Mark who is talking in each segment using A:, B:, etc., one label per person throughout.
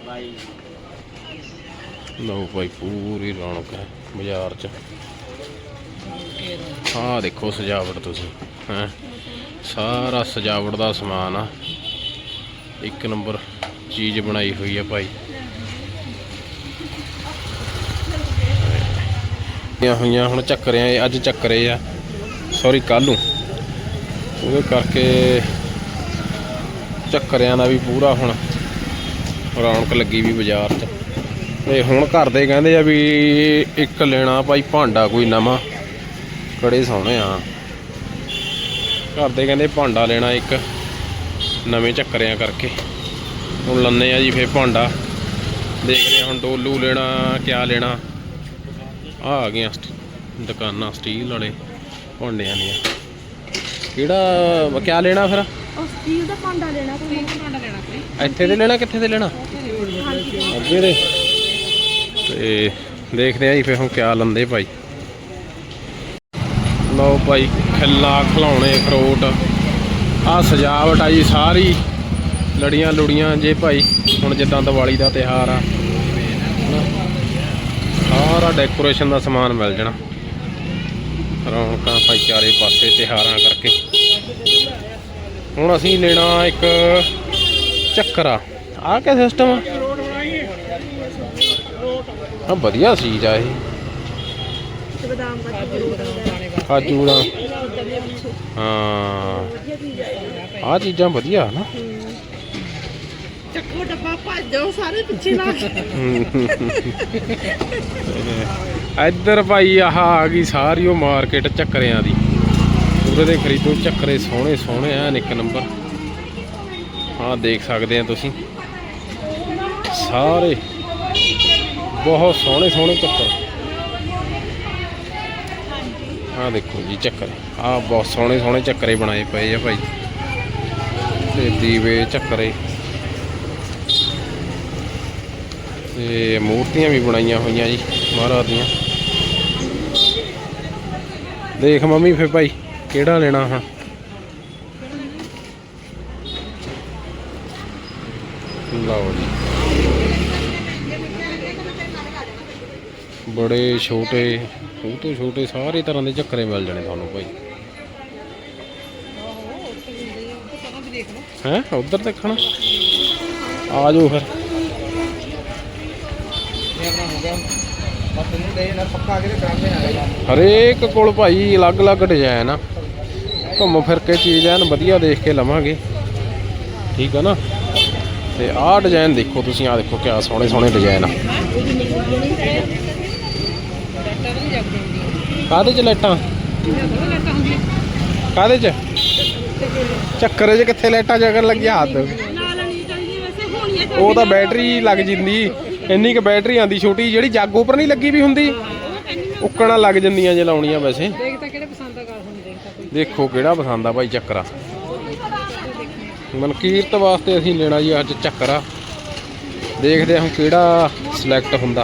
A: लो भाई पूरी रौनक है बाजार च। हाँ देखो सजावट तुसीं हैं, सारा सजावट का समान आ, एक नंबर चीज़ बनाई हुई है भाई। हुई हुण झक्करे अज झक्करे आ, सॉरी कल वो करके झक्करियां दा भी पूरा हुण रौनक लगी भी बाजार च। ते हुण घर दे कहंदे आ भी एक लेना भाई भांडा कोई नवां, बड़े सोहणे आ घर दे कहंदे भांडा लेना एक नवें झक्करियां करके। हुण लन्ने आ जी फिर भांडा, देखदे हुण डोलू लेना क्या लेना। आ गई दुकानां स्टील वाले भांडियां दियां, किहड़ा क्या लेना फिर?
B: स्टील दा भांडा लेना, कोई भांडा लेना कोई।
A: ਇੱਥੇ ਦੇ ਲੈਣਾ ਕਿੱਥੇ ਦੇ ਲੈਣਾ? ਅੱਗੇ ਦੇ। ਤੇ ਦੇਖਦੇ ਆ ਜੀ ਫਿਰ ਹੁਣ ਕਿਆ ਲੰਦੇ ਭਾਈ। ਲਓ ਭਾਈ ਖਿੱਲਾ ਖਿਲਾਉਣੇ ਫਰੂਟ ਆ ਸਜਾਵਟ ਆ ਜੀ ਸਾਰੀ, ਲੜੀਆਂ ਲੁੜੀਆਂ ਜੇ ਭਾਈ ਹੁਣ ਜਿੱਦਾਂ ਦੀਵਾਲੀ ਦਾ ਤਿਉਹਾਰ ਆ ਸਾਰਾ ਡੈਕੋਰੇਸ਼ਨ ਦਾ ਸਮਾਨ ਮਿਲ ਜਾਣਾ। ਰੌਣਕਾਂ ਭਾਈ ਚਾਰੇ ਪਾਸੇ ਤਿਉਹਾਰਾਂ ਕਰਕੇ। ਹੁਣ ਅਸੀਂ ਲੈਣਾ ਇੱਕ ਚੱਕਰਾ, ਆ ਕਿਆ ਸਿਸਟਮ ਆ? ਹਾਂ ਵਧੀਆ ਚੀਜ਼ ਆ ਇਹ, ਕਾਜੂ ਦਾ। ਹਾਂ ਆ ਚੀਜ਼ਾਂ ਵਧੀਆ ਨਾ।
B: ਚੱਕੋ ਡੱਬਾ ਭੱਜੋ ਸਾਰੇ ਪਿੱਛੇ ਲਾ ਕੇ।
A: ਇੱਧਰ ਭਾਈ ਆਹ ਆ ਗਈ ਸਾਰੀ ਉਹ ਮਾਰਕੀਟ ਚੱਕਰਿਆਂ ਦੀ, ਉਹਦੇ ਦੇ ਖਰੀਦੋ ਚੱਕਰੇ ਸੋਹਣੇ ਸੋਹਣੇ ਐਨ ਇੱਕ ਨੰਬਰ। ਹਾਂ ਦੇਖ ਸਕਦੇ ਆ ਤੁਸੀਂ ਸਾਰੇ ਬਹੁਤ ਸੋਹਣੇ ਸੋਹਣੇ ਚੱਕਰ। ਆਹ ਦੇਖੋ ਜੀ ਚੱਕਰ, ਆਹ ਬਹੁਤ ਸੋਹਣੇ ਸੋਹਣੇ ਚੱਕਰੇ ਬਣਾਏ ਪਏ ਆ ਭਾਈ, ਤੇ ਦੀਵੇ ਚੱਕਰੇ ਤੇ ਮੂਰਤੀਆਂ ਵੀ ਬਣਾਈਆਂ ਹੋਈਆਂ ਜੀ ਮਹਾਰਾਜ ਦੀਆਂ। ਦੇਖ ਮੰਮੀ ਫਿਰ ਭਾਈ ਕਿਹੜਾ ਲੈਣਾ? ਹਾਂ ਲਓ ਜੀ, ਬੜੇ ਛੋਟੇ ਉਹ ਤੋਂ ਛੋਟੇ ਸਾਰੇ ਤਰ੍ਹਾਂ ਦੇ ਚੱਕਰੇ ਮਿਲ ਜਾਣੇ ਤੁਹਾਨੂੰ ਭਾਈ। ਹੈਂ ਉੱਧਰ ਦੇਖਣਾ, ਆ ਜਾਓ ਫਿਰ। ਹਰੇਕ ਕੋਲ ਭਾਈ ਅਲੱਗ ਅਲੱਗ ਡਿਜ਼ਾਈਨ ਆ, ਘੁੰਮ ਫਿਰ ਕੇ ਚੀਜ਼ ਐਨ ਵਧੀਆ ਦੇਖ ਕੇ ਲਵਾਂਗੇ, ਠੀਕ ਆ ਨਾ। ਤੇ ਆਹ ਡਿਜ਼ਾਈਨ ਦੇਖੋ ਤੁਸੀਂ, ਆਹ ਦੇਖੋ ਕਿਆ ਸੋਹਣੇ ਸੋਹਣੇ ਡਿਜ਼ਾਈਨ ਆ। ਕਾਹਦੇ 'ਚ ਲਾਈਟਾਂ? ਕਾਹਦੇ 'ਚ? ਚੱਕਰ 'ਚ ਕਿੱਥੇ ਲਾਈਟਾਂ ਜਗਣ ਲੱਗੀਆਂ? ਹੱਥ ਉਹ ਤਾਂ ਬੈਟਰੀ ਲੱਗ ਜਾਂਦੀ, ਇੰਨੀ ਕੁ ਬੈਟਰੀ ਆਉਂਦੀ ਛੋਟੀ ਜਿਹੜੀ ਜੱਗ ਉੱਪਰ ਨਹੀਂ ਲੱਗੀ ਵੀ ਹੁੰਦੀ, ਉੱਕਣਾ ਲੱਗ ਜਾਂਦੀਆਂ ਜੇ ਲਾਉਣੀਆਂ। ਵੈਸੇ ਦੇਖੋ ਕਿਹੜਾ ਪਸੰਦ ਆ ਭਾਈ ਚੱਕਰਾ। ਮਨਕੀਰਤ ਵਾਸਤੇ ਅਸੀਂ ਲੈਣਾ ਜੀ ਅੱਜ ਚੱਕਰਾ, ਦੇਖਦੇ ਹਾਂ ਕਿਹੜਾ ਸਿਲੈਕਟ ਹੁੰਦਾ।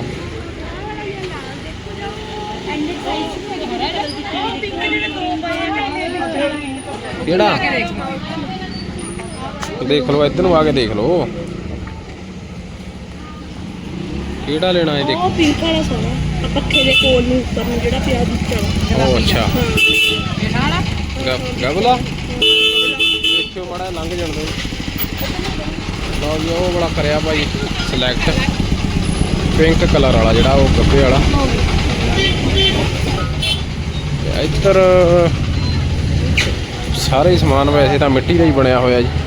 A: ਕਿਹੜਾ ਦੇਖ ਲਓ, ਇੱਧਰ ਨੂੰ ਆ ਕੇ ਦੇਖ ਲਓ ਕਿਹੜਾ ਲੈਣਾ ਹੈ। ਦੇਖੋ
B: ਪਿੰਕ ਵਾਲਾ ਸੋਹਣਾ, ਪੱਖੇ ਦੇ ਕੋਲ ਨੂੰ ਉੱਪਰ ਨੂੰ ਜਿਹੜਾ ਪਿਆ ਦਿੱਤਾ।
A: ਉਹ ਅੱਛਾ ਗਗਲਾ ਦੇਖਿਓ ਮਾੜਾ ਲੰਘ ਜਾਣ ਦਿਓ। ਲਓ ਜੀ ਉਹ ਬੜਾ ਕਰਿਆ ਭਾਈ ਸਿਲੈਕਟ, ਪਿੰਕ ਕਲਰ ਵਾਲਾ ਜਿਹੜਾ ਉਹ ਗੱਬੇ ਵਾਲਾ। ਇੱਧਰ ਸਾਰੇ ਹੀ ਸਮਾਨ ਵੈਸੇ ਤਾਂ ਮਿੱਟੀ ਦਾ ਹੀ ਬਣਿਆ ਹੋਇਆ ਜੀ।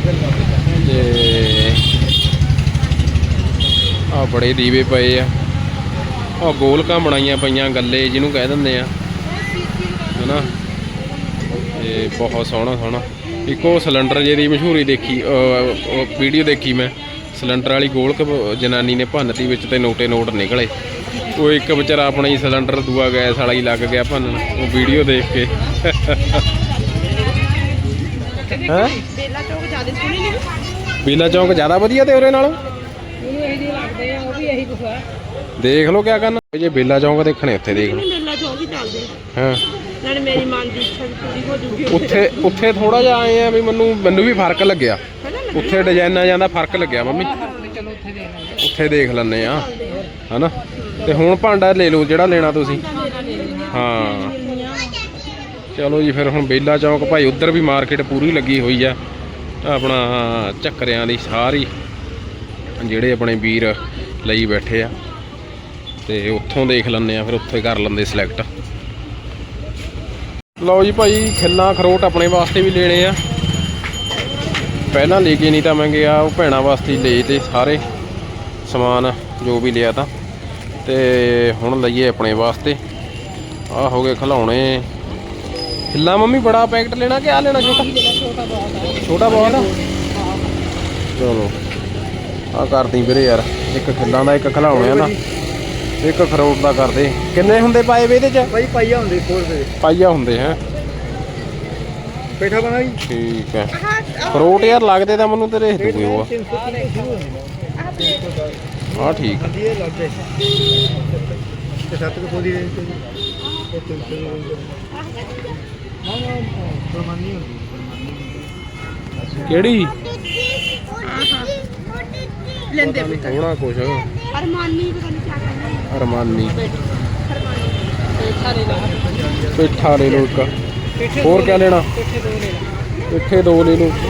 A: ਤੇ ਆ ਬੜੇ ਦੀਵੇ ਪਏ ਆ, ਆ ਗੋਲਕਾਂ ਬਣਾਈਆਂ ਪਈਆਂ ਗੱਲੇ ਜਿਹਨੂੰ ਕਹਿ ਦਿੰਦੇ ਆ ਹਨਾ। ਤੇ ਬਹੁਤ ਸੋਹਣਾ ਸੋਹਣਾ ਇੱਕ ਉਹ ਸਿਲੰਡਰ ਜਿਹਦੀ ਮਸ਼ਹੂਰੀ ਦੇਖੀ, ਵੀਡੀਓ ਦੇਖੀ ਮੈਂ, ਸਿਲੰਡਰ ਵਾਲੀ ਗੋਲਕ ਜਨਾਨੀ ਨੇ ਭੰਨਤੀ ਵਿੱਚ ਤੇ ਨੋਟੇ ਨੋਟ ਨਿਕਲੇ। ਉਹ ਇੱਕ ਵਿਚਾਰਾ ਆਪਣਾ ਹੀ ਸਿਲੰਡਰ ਦੂਆ ਗੈਸ ਵਾਲਾ ਹੀ ਲੱਗ ਗਿਆ ਭੰਨਣ, ਉਹ ਵੀਡੀਓ ਦੇਖ ਕੇ। ਹੈਂ
B: ਬੇਲਾ ਚੌਕ ਜ਼ਿਆਦਾ ਸੋਹਣੀ ਨਹੀਂ?
A: ਬੇਲਾ ਚੌਕ ਜ਼ਿਆਦਾ ਵਧੀਆ ਤੇ ਉਹਦੇ ਨਾਲੋਂ
B: ਲੱਗਦੇ ਆ, ਉਹ ਵੀ ਇਹੀ ਕੁਛ ਆ।
A: ਦੇਖ ਲਓ ਕਿਆ ਕਰਨਾ ਜੇ ਬੇਲਾ ਚੌਂਕ ਦੇਖਣੇ ਉੱਥੇ ਦੇਖ ਲਓ।
B: ਬੇਲਾ ਚੌਕ ਹੀ ਚੱਲਦੇ
A: ਹਾਂ
B: ਨਾਲੇ ਮੇਰੀ ਮਨ ਦੀ ਇੱਛਾ ਵੀ ਪੂਰੀ ਹੋ ਜੂਗੀ।
A: ਉੱਥੇ ਥੋੜਾ ਜਿਹਾ ਆਏ ਆ ਵੀ ਮੈਨੂੰ ਵੀ ਫਰਕ ਲੱਗਿਆ, ਉੱਥੇ ਡਿਜ਼ਾਈਨਾਂ ਜਾਂਦਾ ਫਰਕ ਲੱਗਿਆ ਮੰਮੀ। ਉੱਥੇ ਦੇਖ ਲੈਂਦੇ ਆ ਹਨਾ। ਤੇ ਹੁਣ ਭਾਂਡਾ ਲੈ ਲਓ ਜਿਹੜਾ ਲੈਣਾ ਤੁਸੀਂ। ਹਾਂ ਚਲੋ ਜੀ ਫਿਰ ਹੁਣ ਬੇਲਾ ਚੌਂਕ ਭਾਈ ਉੱਧਰ ਵੀ ਮਾਰਕੀਟ ਪੂਰੀ ਲੱਗੀ ਹੋਈ ਆ ਆਪਣਾ ਝੱਕਰਿਆਂ ਦੀ ਸਾਰੀ ਜਿਹੜੇ ਆਪਣੇ ਵੀਰ ਲਈ ਬੈਠੇ ਆ ਤੇ ਉੱਥੋਂ ਦੇਖ ਲੈਂਦੇ ਆ ਫਿਰ ਉੱਥੇ ਕਰ ਲੈਂਦੇ ਸਿਲੈਕਟ। ਲਓ ਜੀ ਭਾਈ ਖਿੱਲਾਂ ਅਖਰੋਟ ਆਪਣੇ ਵਾਸਤੇ ਵੀ ਲੈਣੇ ਆ ਪਹਿਲਾਂ ਲੈ ਕੇ ਨਹੀਂ ਤਾਂ ਮੈਂ ਗਿਆ ਉਹ ਭੈਣਾਂ ਵਾਸਤੇ ਲਏ ਤੇ ਸਾਰੇ ਸਮਾਨ ਜੋ ਵੀ ਲਿਆ ਤਾਂ ਤੇ ਹੁਣ ਲਈਏ ਆਪਣੇ ਵਾਸਤੇ। ਆਹ ਹੋ ਗਏ ਖਿਲਾਉਣੇ ਖਿੱਲਾ ਮੰਮੀ ਬੜਾ ਪੈਕਟ ਲੈਣਾ ਕਿ ਆ ਲੈਣਾ ਛੋਟਾ ਛੋਟਾ ਬਹੁਤ ਆ ਚਲੋ ਆ ਕਰਦੀ ਵੀਰੇ ਯਾਰ ਇੱਕ ਖਿੱਲਾਂ ਦਾ ਇੱਕ ਖਿਲਾਉਣੇ ਆ ਨਾ ਇੱਕ ਅਖਰੋਟ ਦਾ ਕਰਦੇ ਕਿੰਨੇ ਹੁੰਦੇ ਪਾਏ ਵੇ ਇਹਦੇ ਚ
C: ਭਾਈ ਪਾਈਆ ਹੁੰਦੇ 100 ਰੁਪਏ
A: ਪਾਈਆ ਹੁੰਦੇ ਹੈ
C: ਪੇਠਾ ਬਣਾ ਜੀ
A: ਠੀਕ ਹੈ ਅਖਰੋਟ ਯਾਰ ਲੱਗਦੇ ਤਾਂ ਮੈਨੂੰ ਤੇਰੇ ਦੂਏ ਉਹ ਆ ਠੀਕ
C: ਹੁੰਦੀ ਹੈ ਲੱਗਦੇ ਤੇ 7 ਰੁਪਏ ਦੀ ਰੇਂਜ ਤੇ ਨਾ ਪ੍ਰਮਾਨੀ ਹੁੰਦੀ
A: ਕਿਹੜੀ
B: ਲੈਂਦੇ
A: ਹੋਣਾ ਕੁਛ
B: ਅਰਮਾਨੀ ਪਤਾ ਨਹੀਂ ਕੀ ਕਹਿੰਦੇ
A: ਅਰਮਾਨੀ ਪੇਠਾ ਲੈ ਲਓ ਇੱਕ ਹੋਰ ਕਿਆ ਲੈਣਾ ਪੇਠੇ ਦੋ ਲੈ ਲਓ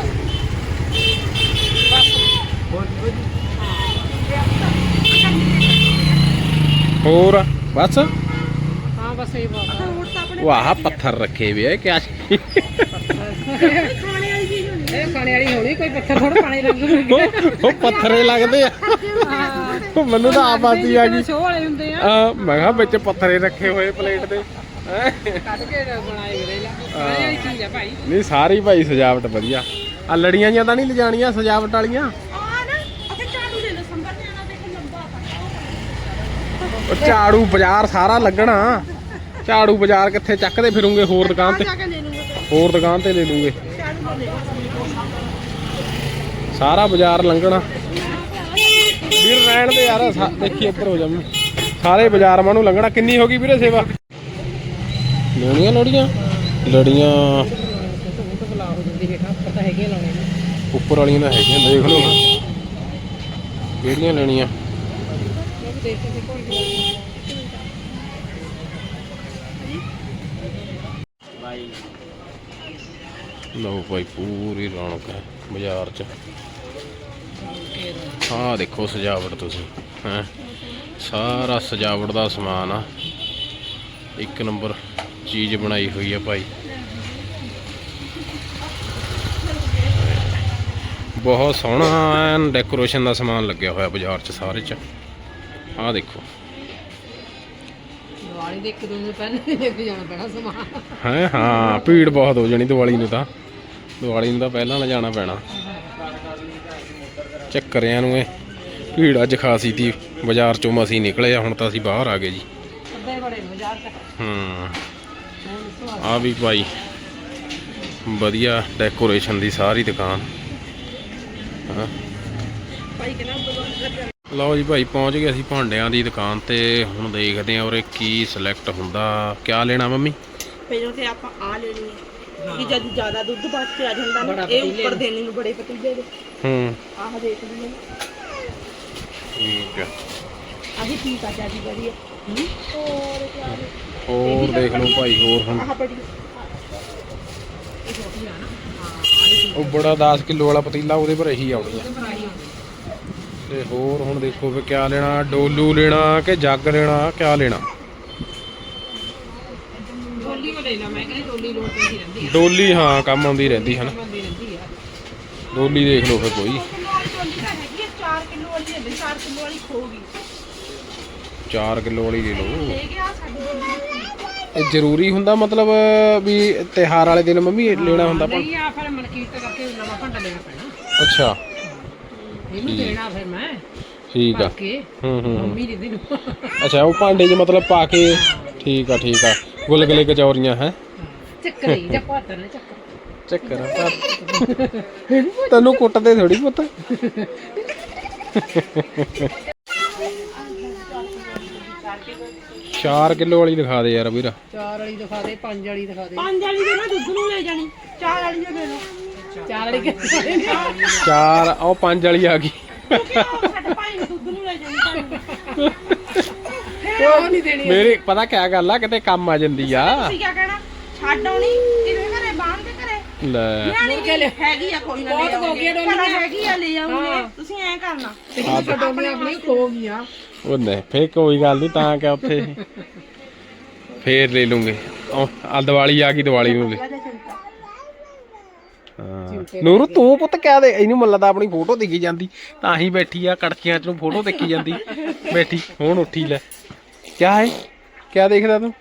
A: ਹੋਰ ਬਸ
B: ਹਾਂ ਬਸ ਇਹ ਬਾਤ
A: ਵਾਹ ਪੱਥਰ ਰੱਖੇ ਵੇ ਕਿਆ
B: ਖਾਣੇ ਵਾਲੀ ਚੀਜ਼ ਹੁੰਦੀ
D: ਇਹ ਖਾਣੇ ਵਾਲੀ ਹੋਣੀ ਕੋਈ ਪੱਥਰ ਥੋੜਾ ਪਾਣੀ ਲੱਗੂਗਾ
A: ਉਹ ਪੱਥਰੇ ਲੱਗਦੇ ਆ ਉਹ ਮੈਨੂੰ ਤਾਂ ਆਪ ਆਦੀ ਆ ਗਈ
D: ਸ਼ੋਅ ਵਾਲੇ ਹੁੰਦੇ ਆ
A: ਮੈਂ ਕਿਹਾ ਵਿੱਚ ਪੱਥਰੇ ਰੱਖੇ ਹੋਏ ਪਲੇਟ ਦੇ
D: ਕੱਢ ਕੇ ਬਣਾਏ ਵੀਰੇ ਲਾ ਇਹ ਚੀਜ਼ ਆ ਭਾਈ
A: ਨਹੀਂ ਸਾਰੀ ਭਾਈ ਸਜਾਵਟ ਵਧੀਆ ਆ ਲੜੀਆਂ ਜਾਂ ਤਾਂ ਨਹੀਂ ਲਿਜਾਣੀਆਂ ਸਜਾਵਟ ਵਾਲੀਆਂ
B: ਆ ਨਾ ਉੱਥੇ ਝਾੜੂ ਲੈ ਲਓ ਸੰਭਰ ਤੇ ਆਣਾ ਦੇਖ ਲੰਬਾ
A: ਉਹ ਝਾੜੂ ਬਾਜ਼ਾਰ ਸਾਰਾ ਲੱਗਣਾ ਝਾੜੂ ਬਾਜ਼ਾਰ ਕਿੱਥੇ ਚੱਕਦੇ ਫਿਰੂਗੇ ਹੋਰ ਦੁਕਾਨ ਤੇ
B: ਜਾ ਕੇ ਲੈ ਲੂੰਗਾ
A: ਹੋਰ ਦੁਕਾਨ ਤੇ ਲੈ ਲੂਗੇ
B: ਝਾੜੂ ਲੈ
A: ਸਾਰਾ ਬਾਜ਼ਾਰ ਲੰਘਣਾ ਵੀਰ ਰਹਿਣ ਦੇ ਯਾਰ ਦੇਖੀ ਇੱਧਰ ਹੋ ਜਾ ਸਾਰੇ ਬਾਜ਼ਾਰ ਮਾਨੂੰ ਲੰਘਣਾ ਕਿੰਨੀ ਹੋ ਗਈ ਵੀਰੇ ਸੇਵਾ ਲੈਣੀਆਂ ਲੜੀਆਂ ਲੜੀਆਂ ਉੱਪਰ ਵਾਲੀਆਂ ਤਾਂ ਹੈਗੀਆਂ ਦੇਖ ਲਓ ਕਿਹੜੀਆਂ ਲੈਣੀਆਂ ਲਓ ਭਾਈ ਪੂਰੀ ਰੌਣਕ ਹੈ ਬਾਜ਼ਾਰ 'ਚ ਆਹ ਦੇਖੋ ਸਜਾਵਟ ਤੁਸੀਂ ਹੈਂ ਸਾਰਾ ਸਜਾਵਟ ਦਾ ਸਮਾਨ ਆ ਇੱਕ ਨੰਬਰ ਚੀਜ਼ ਬਣਾਈ ਹੋਈ ਆ ਭਾਈ ਬਹੁਤ ਸੋਹਣਾ ਐਨ ਡੈਕੋਰੇਸ਼ਨ ਦਾ ਸਮਾਨ ਲੱਗਿਆ ਹੋਇਆ ਬਾਜ਼ਾਰ 'ਚ ਸਾਰੇ 'ਚ ਆਹ ਦੇਖੋ
D: ਦੀਵਾਲੀ ਦੇ ਇੱਕ ਦਿਨ ਪਹਿਲਾਂ ਲੈ ਕੇ ਜਾਣਾ ਪੈਣਾ ਸਮਾਨ
A: ਹੈ ਹਾਂ ਭੀੜ ਬਹੁਤ ਹੋ ਜਾਣੀ ਦੀਵਾਲੀ ਨੂੰ ਤਾਂ ਪਹਿਲਾਂ ਲਿਜਾਣਾ ਪੈਣਾ ਚੱਕਰਿਆਂ ਨੂੰ ਇਹ ਭੀੜ ਅੱਜ ਖਾਸੀ ਤੀ ਬਾਜ਼ਾਰ 'ਚੋਂ ਮਸੀਂ ਨਿਕਲੇ ਆ ਹੁਣ ਤਾਂ ਅਸੀਂ ਬਾਹਰ ਆ ਗਏ ਜੀ
D: ਅੱਧੇ ਬੜੇ ਬਾਜ਼ਾਰ ਤੱਕ
A: ਆ ਵੀ ਭਾਈ ਵਧੀਆ ਡੈਕੋਰੇਸ਼ਨ ਦੀ ਸਾਰੀ ਦੁਕਾਨ ਹਾਂ
B: ਭਾਈ ਕਹਿੰਦਾ
A: ਲਓ ਜੀ ਭਾਈ ਪਹੁੰਚ ਗਏ ਅਸੀਂ ਭਾਂਡਿਆਂ ਦੀ ਦੁਕਾਨ ਤੇ ਹੁਣ ਦੇਖਦੇ ਹਾਂ ਉਰੇ ਕੀ ਸਿਲੈਕਟ ਹੁੰਦਾ ਕਿਆ ਲੈਣਾ ਮੰਮੀ
B: ਪਹਿਲਾਂ ਤੇ ਆਪਾਂ ਆ ਲੈਣੀ ਹੈ ਕਿ ਜਦ ਜ਼ਿਆਦਾ ਦੁੱਧ ਬਚ ਕੇ ਆ ਜਾਂਦਾ ਨਾ ਇਹ ਉੱਪਰ ਦੇਣੇ ਨੂੰ ਬੜੇ ਪਤੀਲੇ ਦੇ ਆਹ ਦੇਖ ਲਈਏ
A: ਠੀਕ ਹੈ
B: ਆਹੀ ਠੀਕ ਆ ਜਿਆਦੀ ਵਧੀਆ ਹੋਰ ਕਿਆ
A: ਹੋਰ ਦੇਖ ਲਓ ਭਾਈ ਹੋਰ ਹੁਣ
B: ਆਹ ਬੜੀ
A: ਉਹ ਬੜਾ 10 ਕਿਲੋ ਵਾਲਾ ਪਤੀਲਾ ਉਹਦੇ ਪਰ ਇਹੀ ਆਉਣੀ ਆ ਤੇ ਹੋਰ ਹੁਣ ਦੇਖੋ ਵੀ ਕਿਆ ਲੈਣਾ ਡੋਲੂ ਲੈਣਾ ਕਿ ਜੱਗ ਲੈਣਾ ਕਿਆ ਲੈਣਾ
D: ਡੋਲੀ ਕੋ ਲੈ ਲਾ ਮੈਂ ਕਹਿੰਦੀ ਡੋਲੀ ਲੋੜ ਪੈਂਦੀ ਰਹਿੰਦੀ ਆ
A: ਡੋਲੀ ਹਾਂ ਕੰਮ ਆਉਂਦੀ ਰਹਿੰਦੀ ਹਨ
D: ਬੰਦੀ ਰਹਿੰਦੀ ਆ
A: ਡੋਲੀ ਦੇਖ ਲਓ ਫਿਰ ਕੋਈ
B: 4 ਕਿਲੋ ਵਾਲੀ ਹੈ 4 ਕਿਲੋ ਵਾਲੀ ਖੋਗੀ
A: 4 ਕਿਲੋ ਵਾਲੀ ਲੈ ਲਓ
B: ਲੈ ਗਿਆ ਸਾਡੀ
A: ਇਹ ਜ਼ਰੂਰੀ ਹੁੰਦਾ ਮਤਲਬ ਵੀ ਤਿਉਹਾਰ ਵਾਲੇ ਦਿਨ ਮੰਮੀ ਇਹ ਲੈਣਾ ਹੁੰਦਾ
D: ਨਹੀਂ ਆ ਫਿਰ ਮਨਕੀਰਤ ਕਰਕੇ ਨਵਾਂ ਭਾਂਡਾ ਲੈਣਾ ਪੈਣਾ
A: ਅੱਛਾ
D: ਇਹਨੂੰ ਦੇਣਾ ਫਿਰ ਮੈਂ
A: ਠੀਕ ਆ
D: ਕੇ
A: ਹੂੰ
D: ਮੰਮੀ ਦੀ ਦੇ ਨੂੰ
A: ਅੱਛਾ ਉਹ ਭਾਂਡੇ 'ਚ ਮਤਲਬ ਪਾ ਕੇ ਠੀਕ ਆ ਗੁਲਗੁਲੇ ਕਚੌਰੀਆਂ ਹੈ
D: ਚੱਕਰ ਹੀ ਜਾਂ ਪਾਤਰ ਨੇ ਚੱਕਰ
A: ਚੱਕਰ ਤੈਨੂੰ ਕੁੱਟਦੇ ਥੋੜੀ ਪੁੱਤ 4 ਕਿਲੋ ਵਾਲੀ ਦਿਖਾ ਦੇ ਯਾਰ ਵੀਰ
D: 4 ਵਾਲੀ ਦਿਖਾ ਦੇ 5 ਵਾਲੀ ਦਿਖਾ ਦੇ
B: 5 ਵਾਲੀ ਦੇ ਨਾ ਦੁੱਧ ਨੂੰ ਲੈ ਜਾਣੀ 4 ਵਾਲੀ ਦੇ ਲਓ
D: 4 ਵਾਲੀ ਕਿੱਥੇ
A: 4 ਉਹ 5 ਵਾਲੀ ਆ ਗਈ
B: ਕਿਉਂਕਿ ਉਹ ਸਾਡੇ ਭਾਈ ਨੂੰ ਦੁੱਧ ਨੂੰ ਲੈ ਜਾਂਦੀ ਭਾਈ
D: ਉਹ ਨਹੀਂ ਦੇਣੀ
A: ਮੇਰੀ ਪਤਾ ਕਿਆ ਗੱਲ ਆ, ਕਿਤੇ ਕੰਮ ਆ ਜਾਂਦੀ ਆ।
B: ਤੁਸੀਂ ਕਿਆ ਕਹਿਣਾ ਛੱਡ ਆਉਣੀ ਕਿਵੇਂ ਘਰੇ ਬਾਂਧ ਕੇ ਘਰੇ
A: ਲੈ
B: ਨਿਆਣੀ ਹੈਗੀ ਆ ਕੋਈ ਨਾ
D: ਬਹੁਤ
B: ਲੈ
D: ਹੋ ਗਈਆਂ
B: ਆਉਂਗੇ
D: ਡੋਲੀਆਂ।
B: ਭਲਾ ਹੈਗੀ ਆ ਲੈ ਆਉਂਗੇ ਤੁਸੀਂ ਐਂ ਕਰਨਾ
D: ਤੇ ਡੋਲੀਆਂ ਆਪਣੀ ਖੋ ਗਈਆਂ
A: ਉਹ ਨਹੀਂ ਫੇਰ ਕੋਈ ਗੱਲ ਨਹੀਂ, ਤਾਂ ਕਿ ਉੱਥੇ ਫੇਰ ਲੈ ਲੂੰਗੇ। ਆ ਦੀਵਾਲੀ ਆ ਗਈ, ਦੀਵਾਲੀ ਨੂੰ ਲੈ। ਹਾਂ ਨੂਰ ਤੂੰ ਪੁੱਤ ਕਹਿ ਦੇ, ਇਹਨੂੰ ਮੁੱਲਾ ਦਾ ਆਪਣੀ ਫੋਟੋ ਦਿਖੀ ਜਾਂਦੀ ਤਾਂ ਹੀ ਬੈਠੀ ਆ, ਕੜਕੀਆਂ ਚ ਨੂੰ ਫੋਟੋ ਦੇਖੀ ਜਾਂਦੀ ਬੈਠੀ। ਹੁਣ ਉੱਠੀ ਲੈ, ਕਿਆ ਹੈ ਕਿਆ ਦੇਖਦਾ ਤੂੰ?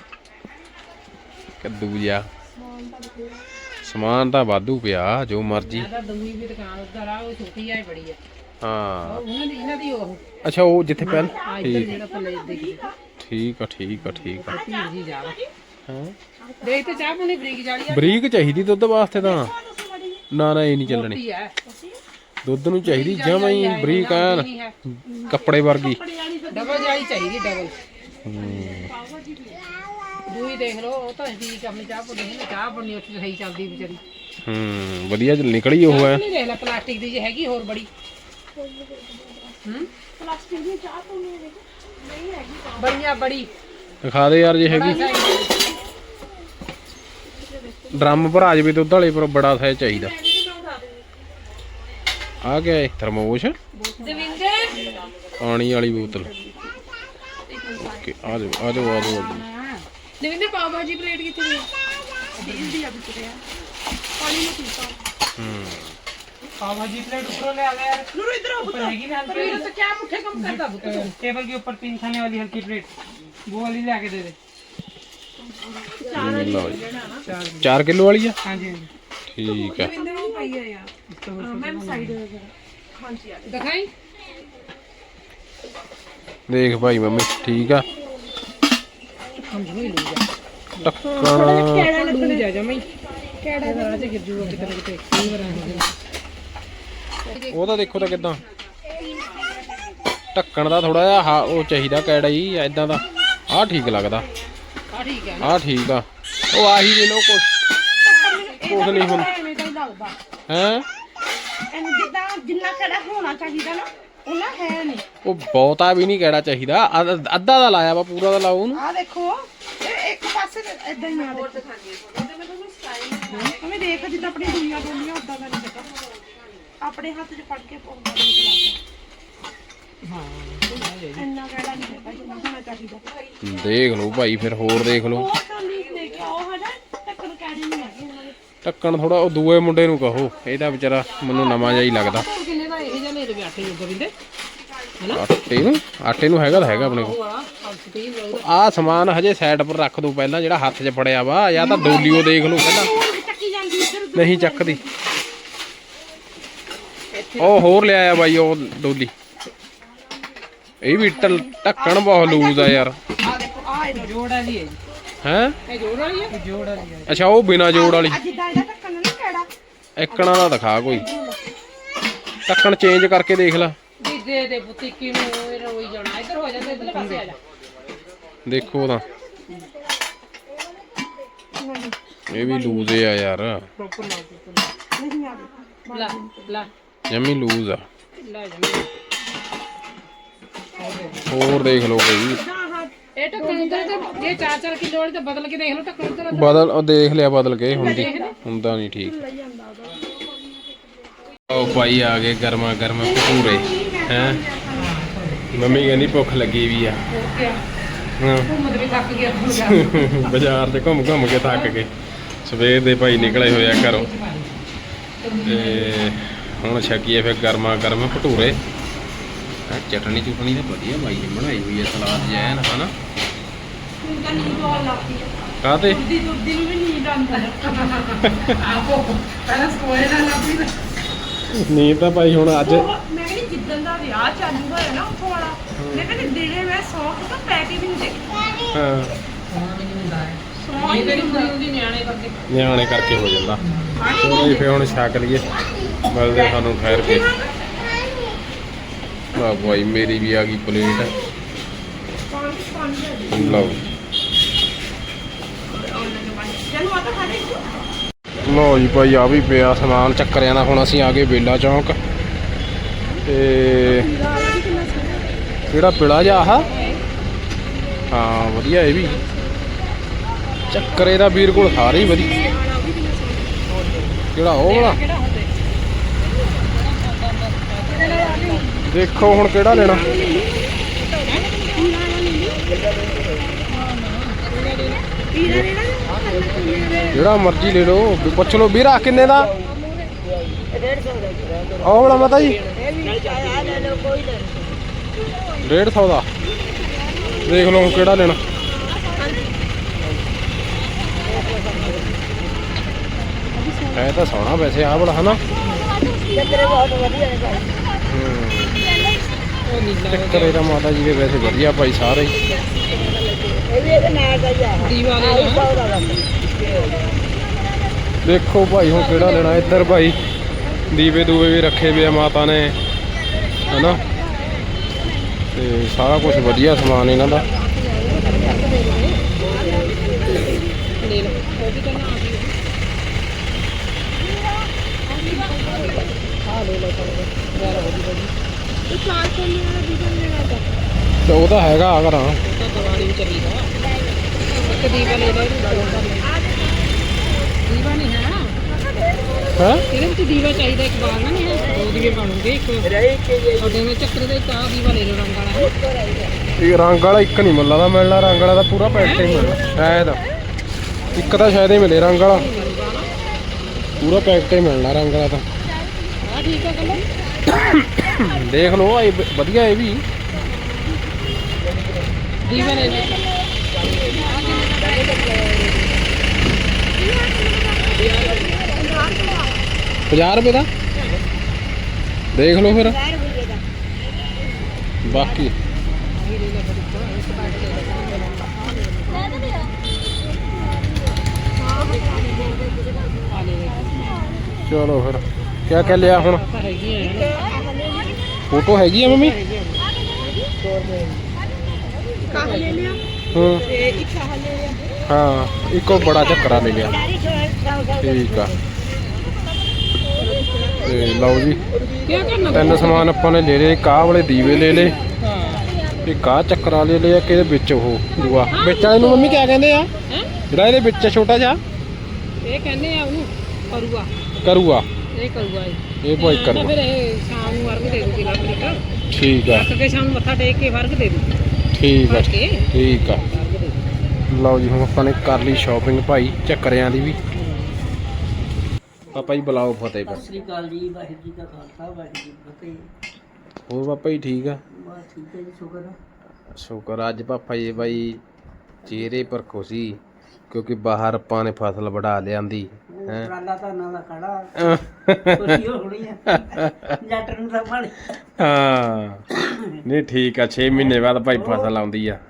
A: ਕੱਦੂ ਜਾ ਸਮਾਨ ਤਾਂ ਵਾਧੂ ਪਿਆ, ਜੋ ਮਰਜੀ।
D: ਤਾਂ ਦੂਈ ਵੀ ਦੁਕਾਨ ਉੱਧਰ ਆ, ਉਹ ਛੋਟੀ ਆ ਬੜੀ ਆ।
A: ਹਾਂ
D: ਉਹਨਾਂ ਦੀ ਇਹਨਾਂ ਦੀ ਉਹ
A: ਅੱਛਾ, ਉਹ ਜਿੱਥੇ ਪਹਿਲ
D: ਆ ਇੱਧਰ ਜਿਹੜਾ ਪੱਲੇ ਦੇਖੀ
A: ਠੀਕ ਆ ਠੀਕ ਆ ਠੀਕ ਆ।
D: ਭੀੜ ਜੀ ਜਾ
A: ਹਾਂ
D: ਦੇਖ ਤੇ ਚਾਹ ਪੁਣੀ ਬਰੀਕ ਜਾਲੀ ਆ
A: ਬਰੀਕ ਚਾਹੀਦੀ ਦੁੱਧ ਵਾਸਤੇ ਤਾਂ। ਨਾ ਨਾ ਇਹ ਨਹੀਂ ਚੱਲਣੀ,
D: ਮੋਟੀ ਆ
A: ਦੁੱਧ ਨੂੰ ਚਾਹੀਦੀ ਜਮਾਂ ਹੀ ਬਰੀਕ ਐਨ ਕੱਪੜੇ ਵਰਗੀ।
D: ਡਬਲ ਜਾਲੀ ਚਾਹੀਦੀ, ਡਬਲ ਦੂਈ ਦੇਖ ਲਓ, ਉਹ ਤਾਂ ਠੀਕ ਆਪਣੀ ਚਾਹ ਪੁਣੀ ਹੈ, ਚਾਹ ਪੁਣੀ ਉੱਥੇ ਸਹੀ ਚੱਲਦੀ ਵਿਚਾਰੀ।
A: ਵਧੀਆ ਨਿਕਲੀ ਉਹ ਹੈ।
D: ਨਹੀਂ ਦੇਖ ਲੈ ਪਲਾਸਟਿਕ ਦੀ ਜੇ ਹੈਗੀ ਹੋਰ ਬੜੀ
B: ਪਲਾਸਟਿਕ ਦੀ ਚਾਹ ਤੋਂ ਨਹੀਂ ਹੈਗੀ
D: ਬੜੀਆਂ ਬੜੀ
A: ਦਿਖਾ ਦੇ ਯਾਰ ਜੇ ਹੈਗੀ। ਡਰਮ ਭਰਾ ਜਵੇ ਦੁੱਧ ਵਾਲੇ, ਪਰ ਬੜਾ ਸਾਈਜ਼ ਚਾਹੀਦਾ। ਆ ਗਿਆ ਇਹ ਥਰਮੋਸ਼
B: ਦਵਿੰਦਰ
A: ਪਾਣੀ ਵਾਲੀ ਬੋਤਲ। ਓਕੇ ਆ ਜਾਓ ਆ ਜਾਓ ਆ ਜਾਓ।
D: ਦਵਿੰਦਰ ਪਾਓ ਭਾਜੀ ਪਲੇਟ ਕਿੱਥੇ ਗਈ?
B: ਦੀ ਆ ਵਿੱਚ ਰਿਹਾ ਪਾਣੀ ਨੂੰ ਪੀਤਾ
D: पाव भाजी प्लेट ऊपर ले आ गया यार।
B: ਨੂਰ ਇਧਰ ਆ
D: ऊपर हैगी ना पर ये तो क्या मुट्ठे कम करता बुक टेबल के ऊपर 3 खाने वाली हल्की प्लेट वो वाली ले आके दे दे।
A: ਲਓ ਜੀ 4 ਕਿਲੋ ਵਾਲੀ ਆ।
D: हां जी
A: ਠੀਕ ਹੈ
B: ਦਵਿੰਦਰ ਨੂੰ ਪਈ ਆ ਯਾਰ ਮੈਮ ਸਾਈਡ ਹਾਂਜੀ ਆ
D: दिखाई
A: ਦੇਖ ਭਾਈ ਮੰਮੀ ਠੀਕ ਆ।
D: हम भी ले जा
A: ਟੱਕਣ
D: ले जा जा मैं केड़ा राज गिर जूगा कितने कितने कई बार आ
A: ਉਹਦਾ ਦੇਖੋ ਤਾਂ ਕਿਦਾਂ ਢੱਕਣ ਦਾ ਥੋੜਾ ਜਿਹਾ ਉਹ ਚਾਹੀਦਾ ਕੈੜਾ ਹੀ ਐਦਾਂ ਦਾ। ਆਹ ਠੀਕ ਲੱਗਦਾ,
D: ठीक है
A: ਆਹ ਠੀਕ ਆ। ਉਹ ਆਹੀ ਲੈ ਲਓ, ਕੁਛ ਨਹੀਂ ਹੁਣ
B: ਐਵੇਂ ਦਾ ਹੀ ਲੱਗਦਾ
A: ਹੈ।
B: ਇਹਨੂੰ ਜਿੱਦਾਂ ਜਿੰਨਾ ਕਿਹੜਾ ਹੋਣਾ ਚਾਹੀਦਾ ਨਾ ਉਹਨਾਂ ਹੈ ਨਹੀਂ।
A: ਉਹ ਬਹੁਤਾ ਵੀ ਨਹੀਂ ਕੈੜਾ ਚਾਹੀਦਾ, ਅੱਧਾ ਦਾ ਲਾਇਆ ਵਾ, ਪੂਰਾ ਦਾ ਲਾਓ ਉਹਨੂੰ।
B: ਆ ਦੇਖੋ ਇਹ ਇੱਕ ਪਾਸੇ ਇਦਾਂ ਹੀ ਆ ਦੇਖੋ ਮੈਂ ਦੇਖ ਜਿੱਦਾਂ ਆਪਣੀ ਦੁਨੀਆ ਬੋਲੀਆਂ ਉਦਾਂ ਦਾ ਨਹੀਂ ਪਤਾ, ਆਪਣੇ ਹੱਥ 'ਚ ਫੜ ਕੇ ਪਾਉਂਦਾ ਨਹੀਂ
D: हां
B: ਇੰਨਾ ਕਿਹੜਾ ਨਹੀਂ ਹੈਗਾ ਜਿੰਨਾ ਹੋਣਾ ਚਾਹੀਦਾ।
A: ਦੇਖ ਲਓ ਭਾਈ, ਫਿਰ ਹੋਰ ਦੇਖ ਲਓ।
B: ਉਹ ਤਾਂ ਨਹੀਂ ਲੈ ਕੇ ਆਓ ਹਨਾ ਟੱਕਰ ਕੈੜੀ ਨਹੀਂ ਹੈਗੀ ਇਹਨਾਂ ਦੇ।
A: ਢੱਕਣ ਥੋੜਾ ਉਹ ਦੂਏ ਮੁੰਡੇ ਨੂੰ ਕਹੋ, ਇਹਦਾ ਵਿਚਾਰਾ ਮੈਨੂੰ ਨਵਾਂ ਜਿਹਾ ਹੀ ਲੱਗਦਾ।
D: किन्ने दा ਇਹ ਜਨੇ ਦੇ ਆਟੇ ਜੋਗਾ ਬਿੰਦੇ
A: ਆਟੇ ਨੂੰ ਹੈਗਾ ਤਾਂ ਹੈਗਾ ਆਪਣੇ ਕੋਲ।
D: ਵਾਲਾ ਸਟੀਲ
A: ਆਹ ਸਮਾਨ ਹਜੇ ਸਾਈਡ ਪਰ ਰੱਖ ਦੋ ਪਹਿਲਾਂ, ਜਿਹੜਾ ਹੱਥ 'ਚ ਫੜਿਆ ਵਾ, ਜਾਂ ਤਾਂ ਡੋਲੀਓ ਦੇਖ ਲਓ ਪਹਿਲਾਂ।
B: ਹੋਰ ਵੀ ਚੱਕੀ ਜਾਂਦੀ ਇੱਧਰ ਉੱਧਰ।
A: ਨਹੀਂ ਚੱਕਦੀ। ਉਹ ਹੋਰ ਲਿਆਇਆ ਬਾਈ ਉਹ ਡੋਲੀ। ਇਹ ਵੀ ਢੱਕਣ ਬਹੁਤ ਲੂਜ਼ ਆ ਯਾਰ।
B: ਆ ਦੇਖੋ ਆ ਇਹਦਾ
D: ਜੋੜ ਵਾਲੀ ਹੈ ਜੀ
A: ਹੈ
D: ਇਹ ਜੋੜ ਵਾਲੀ ਹੈ ਜੋੜ ਵਾਲੀ ਹੈ
A: ਅੱਛਾ, ਉਹ ਬਿਨਾ ਜੋੜ ਵਾਲੀ।
B: ਆ ਜਿੱਦਾਂ ਇਹਦਾ ਢੱਕਣ ਨਾ ਕਿਹੜਾ
A: ਇੱਕਣਾ ਦਾ ਦਿਖਾ ਕੋਈ, ਢੱਕਣ ਚੇਂਜ ਕਰਕੇ ਦੇਖ ਲੈ।
D: ਦੇ ਦੇ ਬੁੱਤੀਕੀ ਨੂੰ ਇਹ ਰੋਈ ਜਾਣਾ ਇੱਧਰ ਹੋ ਜਾਂਦਾ ਇੱਧਰਲੇ ਪਾਸੇ ਆ ਜਾ
A: ਦੇਖੋ ਤਾਂ ਇਹ ਵੀ ਲੂਜ਼ ਆ ਯਾਰ,
D: ਪ੍ਰੋਪਰ ਲਾ
B: ਨਹੀਂ ਆ ਗਈ
D: ਲਾ ਲਾ
A: ਜਮੀ ਲੂਜ਼ ਆ।
D: ਲੈ ਜਾ
A: ਹੋਰ ਦੇਖ ਲਓ ਕੋਈ
D: ਇਹ ਢੱਕਣ ਉਧਰ ਤੇ ਜੇ 4-4 ਕਿਲੋ ਵਾਲੀ ਤਾਂ ਬਦਲ ਕੇ ਦੇਖ ਲਓ ਢੱਕਣ ਉਧਰ
A: ਬਦਲ, ਉਹ ਦੇਖ ਲਿਆ ਬਦਲ ਕੇ, ਹੁੰਦਾ ਨਹੀਂ ਠੀਕ। ਉਹ ਭਾਈ ਆ ਗਏ ਗਰਮਾ ਗਰਮ ਭਟੂਰੇ ਹੈ। ਮੰਮੀ ਕਹਿੰਦੀ ਭੁੱਖ ਲੱਗੀ ਵੀ ਆ। ਹਾਂ
D: ਘੁੰਮਦ ਵੀ ਥੱਕ ਗਿਆ ਹੁਣ
A: ਬਾਜ਼ਾਰ 'ਚ ਘੁੰਮ ਘੁੰਮ ਕੇ ਥੱਕ ਗਏ, ਸਵੇਰ ਦੇ ਭਾਈ ਨਿਕਲੇ ਹੋਏ ਆ ਘਰੋਂ, ਤੇ ਹੁਣ ਛਕੀਏ ਫਿਰ ਗਰਮਾ ਗਰਮ ਭਟੂਰੇ। ਚਟਣੀ ਚੁਟਣੀ ਤਾਂ ਵਧੀਆ ਬਾਈ ਨੇ ਬਣਾਈ ਹੋਈ ਹੈ, ਸਲਾਦ ਜਿਹਾ ਨਾ ਹਨਾ।
B: ਹੁਣ ਤਾਂ ਨੀਂਦ ਆਉਣ ਲੱਗ ਪਈ
A: ਕਾਹਤੇ
B: ਦੁੱਧੀ ਨੂੰ ਵੀ ਨੀਂਦ ਆਉਂਦੀ
D: ਆਪੋ ਪਹਿਲਾਂ ਸਕੋਏ ਨਾਲ ਲੱਭੀ ਨਾ
A: ਨੀਂਦ ਤਾਂ ਭਾਈ ਹੁਣ ਅੱਜ
B: ਮੈਂ ਕਹਿੰਦੀ ਜਿੱਦਣ ਦਾ ਵਿਆਹ ਚਾਲੂ ਹੋਇਆ ਨਾ ਉੱਥੋਂ ਵਾਲਾ, ਮੈਂ ਕਹਿੰਦੀ ਦਿਨੇ ਮੈਂ ਸੌਂ ਕੇ ਤਾਂ ਪੈ ਕੇ ਵੀ ਨਹੀਂ ਦੇਖੀ।
A: ਹਾਂ
B: ਸੌਂ ਹੀ
D: ਇਹ ਹੁੰਦੀ ਨਿਆਣੇ ਕਰਕੇ
A: ਨਿਆਣੇ ਕਰਕੇ ਹੋ ਜਾਂਦਾ। ਚਲੋ ਜੀ ਫਿਰ ਹੁਣ ਛਕ ਲਈਏ, ਮਿਲਦੇ ਸਾਨੂੰ ਠਹਿਰ ਕੇ। ਵਾਹ ਭਾਈ ਮੇਰੀ ਵੀ ਆ ਗਈ ਪਲੇਟ। ਲਓ
B: ਚਲੋ ਆ ਤਾਂ ਖਾ ਲੈ।
A: ਲਓ ਜੀ ਭਾਈ ਆ ਵੀ ਪਿਆ ਸਮਾਨ ਚੱਕਰਿਆਂ ਦਾ। ਹੁਣ ਅਸੀਂ ਆ ਗਏ ਬੇਲਾ ਚੌਂਕ, ਤੇ ਕਿਹੜਾ ਪੀਲਾ ਜਿਹਾ ਆਹ ਹਾਂ ਵਧੀਆ ਇਹ ਵੀ ਚੱਕਰੇ ਦਾ ਵੀਰ ਕੋਲ ਸਾਰੇ ਹੀ ਵਧੀਆ। ਕਿਹੜਾ ਉਹ ਵਾਲਾ ਦੇਖੋ ਹੁਣ ਕਿਹੜਾ ਲੈਣਾ। ਜਿਹੜਾ ਮਰਜ਼ੀ ਲੈ ਲਓ ਪੁੱਛ ਲਓ ਵੀਰਾ ਕਿੰਨੇ ਦਾ ਉਹ ਵਾਲਾ ਮਾਤਾ ਜੀ 150 ਦਾ ਦੇਖ ਲਓ ਕਿਹੜਾ ਲੈਣਾ। ਹੈ ਤਾਂ ਸੋਹਣਾ ਵੈਸੇ ਆਹ ਬੜਾ ਹਨਾ ਚੱਕਰੇ ਦਾ ਮਾਤਾ ਜੀ ਦੇ ਵੈਸੇ ਵਧੀਆ ਭਾਈ ਸਾਰੇ ਹੀ। ਦੇਖੋ ਭਾਈ ਹੁਣ ਕਿਹੜਾ ਲੈਣਾ। ਇੱਧਰ ਭਾਈ ਦੀਵੇ ਦੂਵੇ ਵੀ ਰੱਖੇ ਵੇ ਆ ਮਾਤਾ ਨੇ ਹਨਾ ਤੇ ਸਾਰਾ ਕੁਝ ਵਧੀਆ ਸਮਾਨ ਇਹਨਾਂ ਦਾ। ਤੇ ਉਹ ਤਾਂ ਹੈਗਾ ਘਰਾਂ
D: ਦੀਵਾਲੀ ਚੱਲੀ ਦਾ ਇੱਕ ਦੀਵਾ ਲੈ ਲੈ ਦੀਵਾ ਨਹੀਂ ਹੈ
A: ਹੈ
D: ਇਹਦੇ ਵਿੱਚ ਦੀਵਾ ਚਾਹੀਦਾ ਇੱਕ ਬਾਲਣਾ ਨਹੀਂ ਹੈ ਦੋ ਦੀਵੇ ਬਣੂਗੇ ਇੱਕ ਤੁਹਾਡੇ ਵਿੱਚ ਚੱਕਰ ਦੇ ਤਾਂ ਦੀਵਾ ਲੈ ਲਓ ਰੰਗ ਵਾਲਾ
A: ਇਹ ਰੰਗ ਵਾਲਾ ਇੱਕ ਨਹੀਂ ਮਿਲਦਾ ਮਿਲਣਾ ਰੰਗ ਵਾਲਾ ਤਾਂ ਪੂਰਾ ਪੈਕਟ ਹੀ ਮਿਲਣਾ ਸ਼ਾਇਦ ਇੱਕ ਤਾਂ ਸ਼ਾਇਦ ਹੀ ਮਿਲੇ ਰੰਗ ਵਾਲਾ ਪੂਰਾ ਪੈਕਟ ਹੀ ਮਿਲਣਾ ਰੰਗ ਵਾਲਾ ਤਾਂ
D: ਹਾਂ ਠੀਕ ਹੈ ਕਲਰ
A: ਦੇਖ ਲਓ ਇਹ ਵਧੀਆ ਇਹ ਵੀ
D: ਦੀਵਾ ਲੈ ਲੈ
A: 50 ਰੁਪਏ ਦਾ ਦੇਖ ਲਓ ਫਿਰ ਬਾਕੀ ਚਲੋ ਫਿਰ ਕਿਆ ਕਹਿ ਲਿਆ ਹੁਣ ਫੋਟੋ ਹੈਗੀ ਆ ਮੰਮੀ
B: ਲੈ ਲਿਆ
A: ਹਾਂ
B: ਤੇ ਇੱਕ ਆਹ ਲੈ ਲਿਆ
A: ਹਾਂ ਇੱਕੋ ਬੜਾ ਚੱਕਰਾ ਲੈ ਲਿਆ ਠੀਕ ਆ ਤੇ ਲਓ ਜੀ
D: ਕੀ ਕਰਨਾ
A: ਤਿੰਨ ਸਮਾਨ ਆਪਾਂ ਨੇ ਲੈ ਲਏ। ਕਾਹ ਵਾਲੇ ਦੀਵੇ ਲੈ ਲਏ ਇੱਕ ਆਹ ਚੱਕਰਾ ਲੈ ਲਿਆ ਕਿ ਇਹਦੇ ਵਿੱਚ ਉਹ ਦੂਆ ਵਿੱਚ ਵਾਲੇ ਨੂੰ ਮੰਮੀ ਕਿਆ ਕਹਿੰਦੇ ਆ ਜਿਹੜਾ ਇਹਦੇ ਵਿੱਚ ਛੋਟਾ ਜਿਹਾ
D: ਇਹ ਕਹਿੰਦੇ ਆ ਉਹਨੂੰ ਕਰੂਆ
A: ਕਰੂਆ
D: ਇਹ ਕਰੂਆ
A: ਇਹ ਭਾਈ ਕਰੂਆ
D: ਫਿਰ ਇਹ ਸ਼ਾਮ ਨੂੰ ਵਰਗ ਦੇ ਦੂਗੀ ਲੱਗ ਲਿਟਾ
A: ਠੀਕ ਆ
D: ਰੱਖ ਕੇ ਸ਼ਾਮ ਨੂੰ ਮੱਥਾ ਟੇਕ ਕੇ ਵਰਗ ਦੇ ਦੂਗੀ
A: ਠੀਕ ਆ
D: ਕੇ
A: ਠੀਕ ਆ
D: ਵਰਗ ਦੇ ਦੂਗੀ
A: ਲਓ ਜੀ ਹੁਣ ਆਪਾਂ ਨੇ ਕਰ ਲਈ ਸ਼ਾਪਿੰਗ ਭਾਈ ਚੱਕਰਿਆਂ ਦੀ ਵੀ ਪਾਪਾ ਜੀ ਬੁਲਾਓ ਫਤਿਹ
E: ਸਤਿ ਸ੍ਰੀ ਅਕਾਲ ਜੀ। ਵਾਹਿਗੁਰੂ ਜੀ ਦਾ ਖਾਲਸਾ ਵਾਹਿਗੁਰੂ ਜੀ ਕੀ ਫਤਿਹ।
A: ਹੋਰ ਪਾਪਾ ਜੀ ਠੀਕ ਆ
E: ਬਸ ਠੀਕ ਹੈ ਜੀ ਸ਼ੁਕਰ ਹੈ।
A: ਸ਼ੁਕਰ ਅੱਜ ਪਾਪਾ ਜੀ ਬਾਈ ਚਿਹਰੇ ਪਰ ਖੁਸ਼ੀ ਕਿਉਂਕਿ ਬਾਹਰ ਆਪਾਂ ਨੇ ਫਸਲ ਵਢਾ ਲਿਆਂਦੀ ਹੈ
E: ਟਰਾਲਾ ਧਾਨਾਂ ਦਾ ਖੜਾ ਖੁਸ਼ੀ ਹੋਣੀ ਹੈ ਜੱਟ ਨੂੰ ਤਾਂ ਭਾਲੀ
A: ਹਾਂ ਨਹੀਂ ਠੀਕ ਆ 6 ਮਹੀਨੇ ਬਾਅਦ ਭਾਈ ਫਸਲ ਆਉਂਦੀ ਆ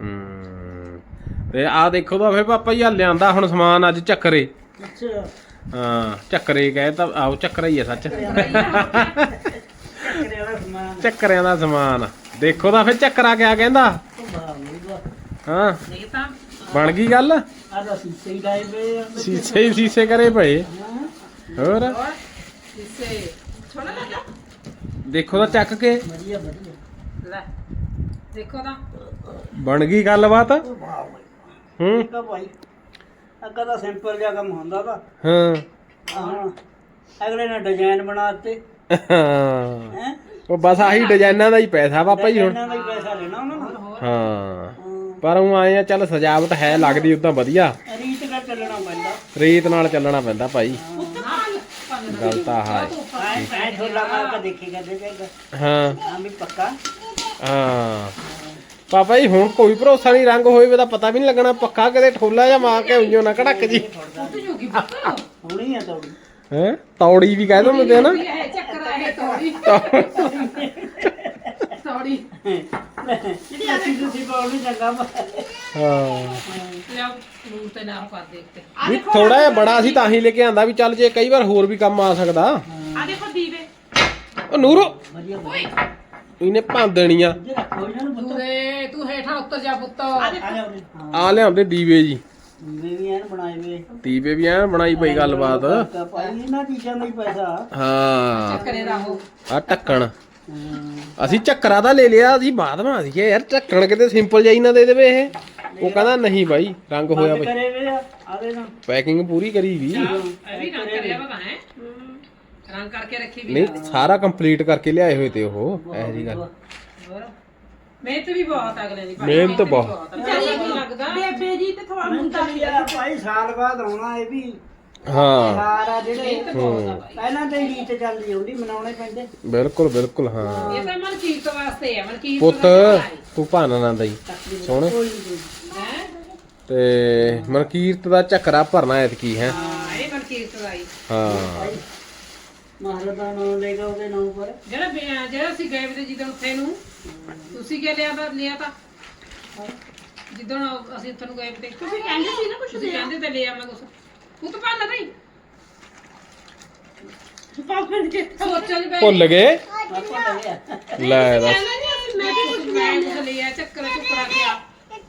A: ਤੇ ਆਹ ਦੇਖੋ ਤਾਂ ਫੇ ਪਾਪਾ ਜੀ ਆ ਲਿਆਂਦਾ ਹੁਣ ਸਮਾਨ ਅੱਜ ਚੱਕਰੇ
E: ਅੱਛਾ
A: ਹਾਂ ਚੱਕਰੇ ਕਹੇ ਤਾਂ ਆਓ ਚੱਕਰਾ ਹੀ ਆ ਸੱਚ
E: ਚੱਕਰੇ ਵਾਲਾ ਸਮਾਨ
A: ਚੱਕਰਿਆਂ ਦਾ ਸਮਾਨ ਦੇਖੋ ਤਾਂ ਫੇ ਚੱਕਰਾ ਕਿਆ ਕਹਿੰਦਾ
E: ਵਾਹ ਵਾਹ
A: ਹਾਂ
D: ਇਹ ਤਾਂ
A: ਬਣ ਗਈ ਗੱਲ
E: ਆ ਦਾ ਸੀਸੇ ਹੀ ਲਾਏ ਪਏ ਆ
A: ਸੀਸੇ ਹੀ ਸੀਸੇ ਕਰੇ ਪਏ ਹੋਰ
D: ਇਸੇ ਛੋਣਾ ਲੱਗਾ
A: ਦੇਖੋ ਤਾਂ ਚੱਕ ਕੇ
E: ਵਧੀਆ ਵਧੀਆ
D: ਲੈ ਦੇਖੋ ਤਾਂ
A: ਬਣ ਗਈ ਗੱਲਬਾਤ
E: ਵਾਹ ਵਾਹ
A: ਹੂੰ
E: ਠੀਕ ਆ ਭਾਈ ਅੱਗਾ ਤਾਂ ਸਿੰਪਲ ਜਿਹਾ ਕੰਮ ਹੁੰਦਾ ਵਾ
A: ਹਾਂ
E: ਹਾਂ ਅਗਲੇ ਨੇ ਡਿਜ਼ਾਈਨ ਬਣਾਤੇ
A: ਹਾਂ
E: ਹੈ
A: ਉਹ ਬਸ ਆਹੀ ਡਿਜ਼ਾਈਨਾਂ ਦਾ ਹੀ ਪੈਸਾ ਪਾਪਾ ਜੀ ਹੁਣ
E: ਇਹਨਾਂ ਦਾ ਹੀ ਪੈਸਾ ਲੈਣਾ ਉਹਨਾਂ ਨੂੰ
A: ਹਾਂ ਪਰ ਉਹ ਆਏ ਆ ਚੱਲ ਸਜਾਵਟ ਹੈ ਲੱਗਦੀ ਉਦਾਂ ਵਧੀਆ
E: ਰੀਤ ਨਾਲ ਚੱਲਣਾ ਪੈਂਦਾ
A: ਰੀਤ ਨਾਲ ਚੱਲਣਾ ਪੈਂਦਾ ਭਾਈ ਗੱਲ ਤਾਂ ਹੈ
E: ਐ ਢੋਲਾ ਮਾਰ ਕੇ ਦੇਖੀ ਕਰਦੇ ਜਾਏਗਾ
A: ਹਾਂ
E: ਹਾਂ ਵੀ ਪੱਕਾ
A: ਹਾਂ ਪਾਪਾ ਜੀ ਹੁਣ ਕੋਈ ਭਰੋਸਾ ਨਹੀਂ ਰੰਗ ਹੋਏ ਵੇ ਤਾਂ ਪਤਾ ਵੀ ਨਹੀਂ ਲੱਗਣਾ ਪੱਕਾ ਕਿਤੇ ਠੋਲਾ ਜਾਂ ਮਾਰ ਕੇ ਉਂਝੋ ਨਾ ਕੜਕ ਜੀ
E: ਹੋਣੀ ਆ ਤੁਹਾਡੀ
A: ਹੈ ਤੌੜੀ ਵੀ ਕਹਿ ਦਿੰਦੇ ਨਾ
D: ਇਹ ਚੱਕਰ ਆ ਇਹ ਤੋੜੀ ਤੋੜੀ
E: ਜਿਹੜੀ ਅਸੀਂ ਤੁਸੀਂ ਪਾਉਣ ਨੂੰ ਚੰਗਾ
A: ਹਾਂ
D: ਲਿਆ ਨੂਰ ਤੇ ਨਾਲ ਪਾ ਦੇ ਉੱਤੇ
A: ਵੀ ਥੋੜਾ ਜਿਹਾ ਬੜਾ ਸੀ ਤਾਂ ਹੀ ਲੈ ਕੇ ਆਂਦਾ ਵੀ ਚੱਲ ਜੇ ਕਈ ਵਾਰ ਹੋਰ ਵੀ ਕੰਮ ਆ ਸਕਦਾ
B: ਆ ਦੇਖੋ ਦੀਵੇ
A: ਉਹ ਨੂਰੋ
E: ਵਧੀਆ ਵਧੀਆ
A: ਇਹਨੇ ਭੰਨ ਦੇਣੀਆਂ
E: ਜੇ ਰੱਖੋ ਇਹਨਾਂ ਨੂੰ ਪੁੱਤ
D: ਪੂਰੇ ਤੂੰ ਹੇਠਾਂ ਉੱਤਰ ਜਾ ਪੁੱਤ
E: ਆ ਜਾ ਉਰੇ। ਹਾਂ
A: ਆ ਲਿਆਉਂਦੇ ਦੀਵੇ ਜੀ
E: ਵੀ ਐਨ ਬਣਾਏ ਵੇ
A: ਦੀਵੇ ਵੀ ਐ ਬਣਾਈ ਪਈ ਗੱਲਬਾਤ
E: ਭਾਈ ਇਹਨਾਂ ਚੀਜ਼ਾਂ ਦਾ ਹੀ ਪੈਸਾ
A: ਹਾਂ
D: ਚੱਕਰੇ ਦਾ ਉਹ
A: ਆ ਢੱਕਣ ਅਸੀਂ ਚੱਕਰਾ ਤਾਂ ਲੈ ਲਿਆ, ਅਸੀਂ ਬਾਅਦ ਮਾ ਸੀਗੇ ਯਾਰ ਢੱਕਣ ਕਿਤੇ ਸਿੰਪਲ ਜਾਈ ਨਾ ਦੇ ਦੇਵੇ ਇਹ। ਉਹ ਕਹਿੰਦਾ ਨਹੀਂ ਬਾਈ ਰੰਗ ਹੋਇਆ ਬਈ,
E: ਕਰੇ ਵੇ ਆਦੇ ਨਾ
A: ਪੈਕਿੰਗ ਪੂਰੀ ਕਰੀ ਵੀ
D: ਇਹ ਵੀ ਰੰਗ ਕਰਿਆ ਵਾ ਹੈ, ਰੰਗ ਕਰਕੇ ਰੱਖੀ ਵੀ।
A: ਨਹੀਂ ਸਾਰਾ ਕੰਪਲੀਟ ਕਰਕੇ ਲਿਆਏ ਹੋਏ ਤੇ ਉਹ ਇਹੋ ਜੀ ਗੱਲ।
D: ਹੋਰ ਮਿਹਨਤ ਵੀ ਬਹੁਤ ਅਗਲੇ ਦੀ ਭਾਈ,
A: ਮਿਹਨਤ ਬਹੁਤ।
D: ਚੱਲੀ ਕੀ ਲੱਗਦਾ
B: ਬੇਬੇ ਜੀ ਤੇ ਥੋੜਾ ਮੁੰਡਾ ਵੀ
E: ਆ ਭਾਈ ਸਾਲ ਬਾਅਦ ਆਉਣਾ ਇਹ ਵੀ
A: ਹਾਂ
E: ਸਾਰ ਆ ਜਿਹੜੇ
A: ਹੂੰ
E: ਪਹਿਲਾਂ ਤੇ ਰੀਤ ਚੱਲਦੀ ਉਹਦੀ ਮਨਾਉਣੇ ਪੈਂਦੇ।
A: ਬਿਲਕੁਲ ਬਿਲਕੁਲ ਹਾਂ।
D: ਇਹ ਤਾਂ ਮਨਕੀਰਤ ਵਾਸਤੇ ਆ, ਮਨਕੀਰਤ
A: ਪੁੱਤ ਤੂੰ ਭਾਨਾ ਨਾ ਦਈ ਸੋਹਣੇ
D: ਹੈ।
A: ਤੇ ਮਨਕੀਰਤ ਦਾ ਝੱਕਰਾ ਭਰਨਾ ਐਤਕੀ ਹੈ।
D: ਹਾਂ ਇਹ ਮਨਕੀਰਤ ਦਾ ਹੀ
A: ਹਾਂ
E: ਮਹਾਰਾਜ ਦਾ ਨਾਮ ਲੈ ਕੇ ਉਹਦੇ ਨਾਮ ਪਰ
D: ਜਿਹੜਾ ਅਸੀਂ ਗਏ ਵੀ ਜਿੱਦਣ ਉੱਥੇ ਨੂੰ ਤੁਸੀਂ ਕੀ ਲਿਆ ਤਾਂ ਜਿੱਦਣ ਅਸੀਂ ਉੱਥੇ ਨੂੰ ਗਏ ਤੇ
B: ਤੁਸੀਂ ਕਹਿੰਦੇ ਸੀ ਨਾ ਕੁਛ
D: ਤੁਸੀਂ ਕਹਿੰਦੇ ਤੇ ਲਿਆ ਮੈਂ ਕੁਛ ਪੁੱਤ ਭਾਣਾ ਨਹੀਂ
B: ਪਾਪਾ ਨੇ
D: ਸੋਚਣ ਦੀ
A: ਭੁੱਲ ਗਏ
E: ਆਪਾਂ ਲੱਗਿਆ
A: ਲੈ ਦੱਸ
B: ਕਹਿੰਦਾ ਨਹੀਂ ਅਸੀਂ ਮੈਂ ਵੀ ਕੁਛ
D: ਮੈਂ ਕੁਛ ਲਿਆ ਚੱਕਰ ਚੁੱਕਰਾ ਗਿਆ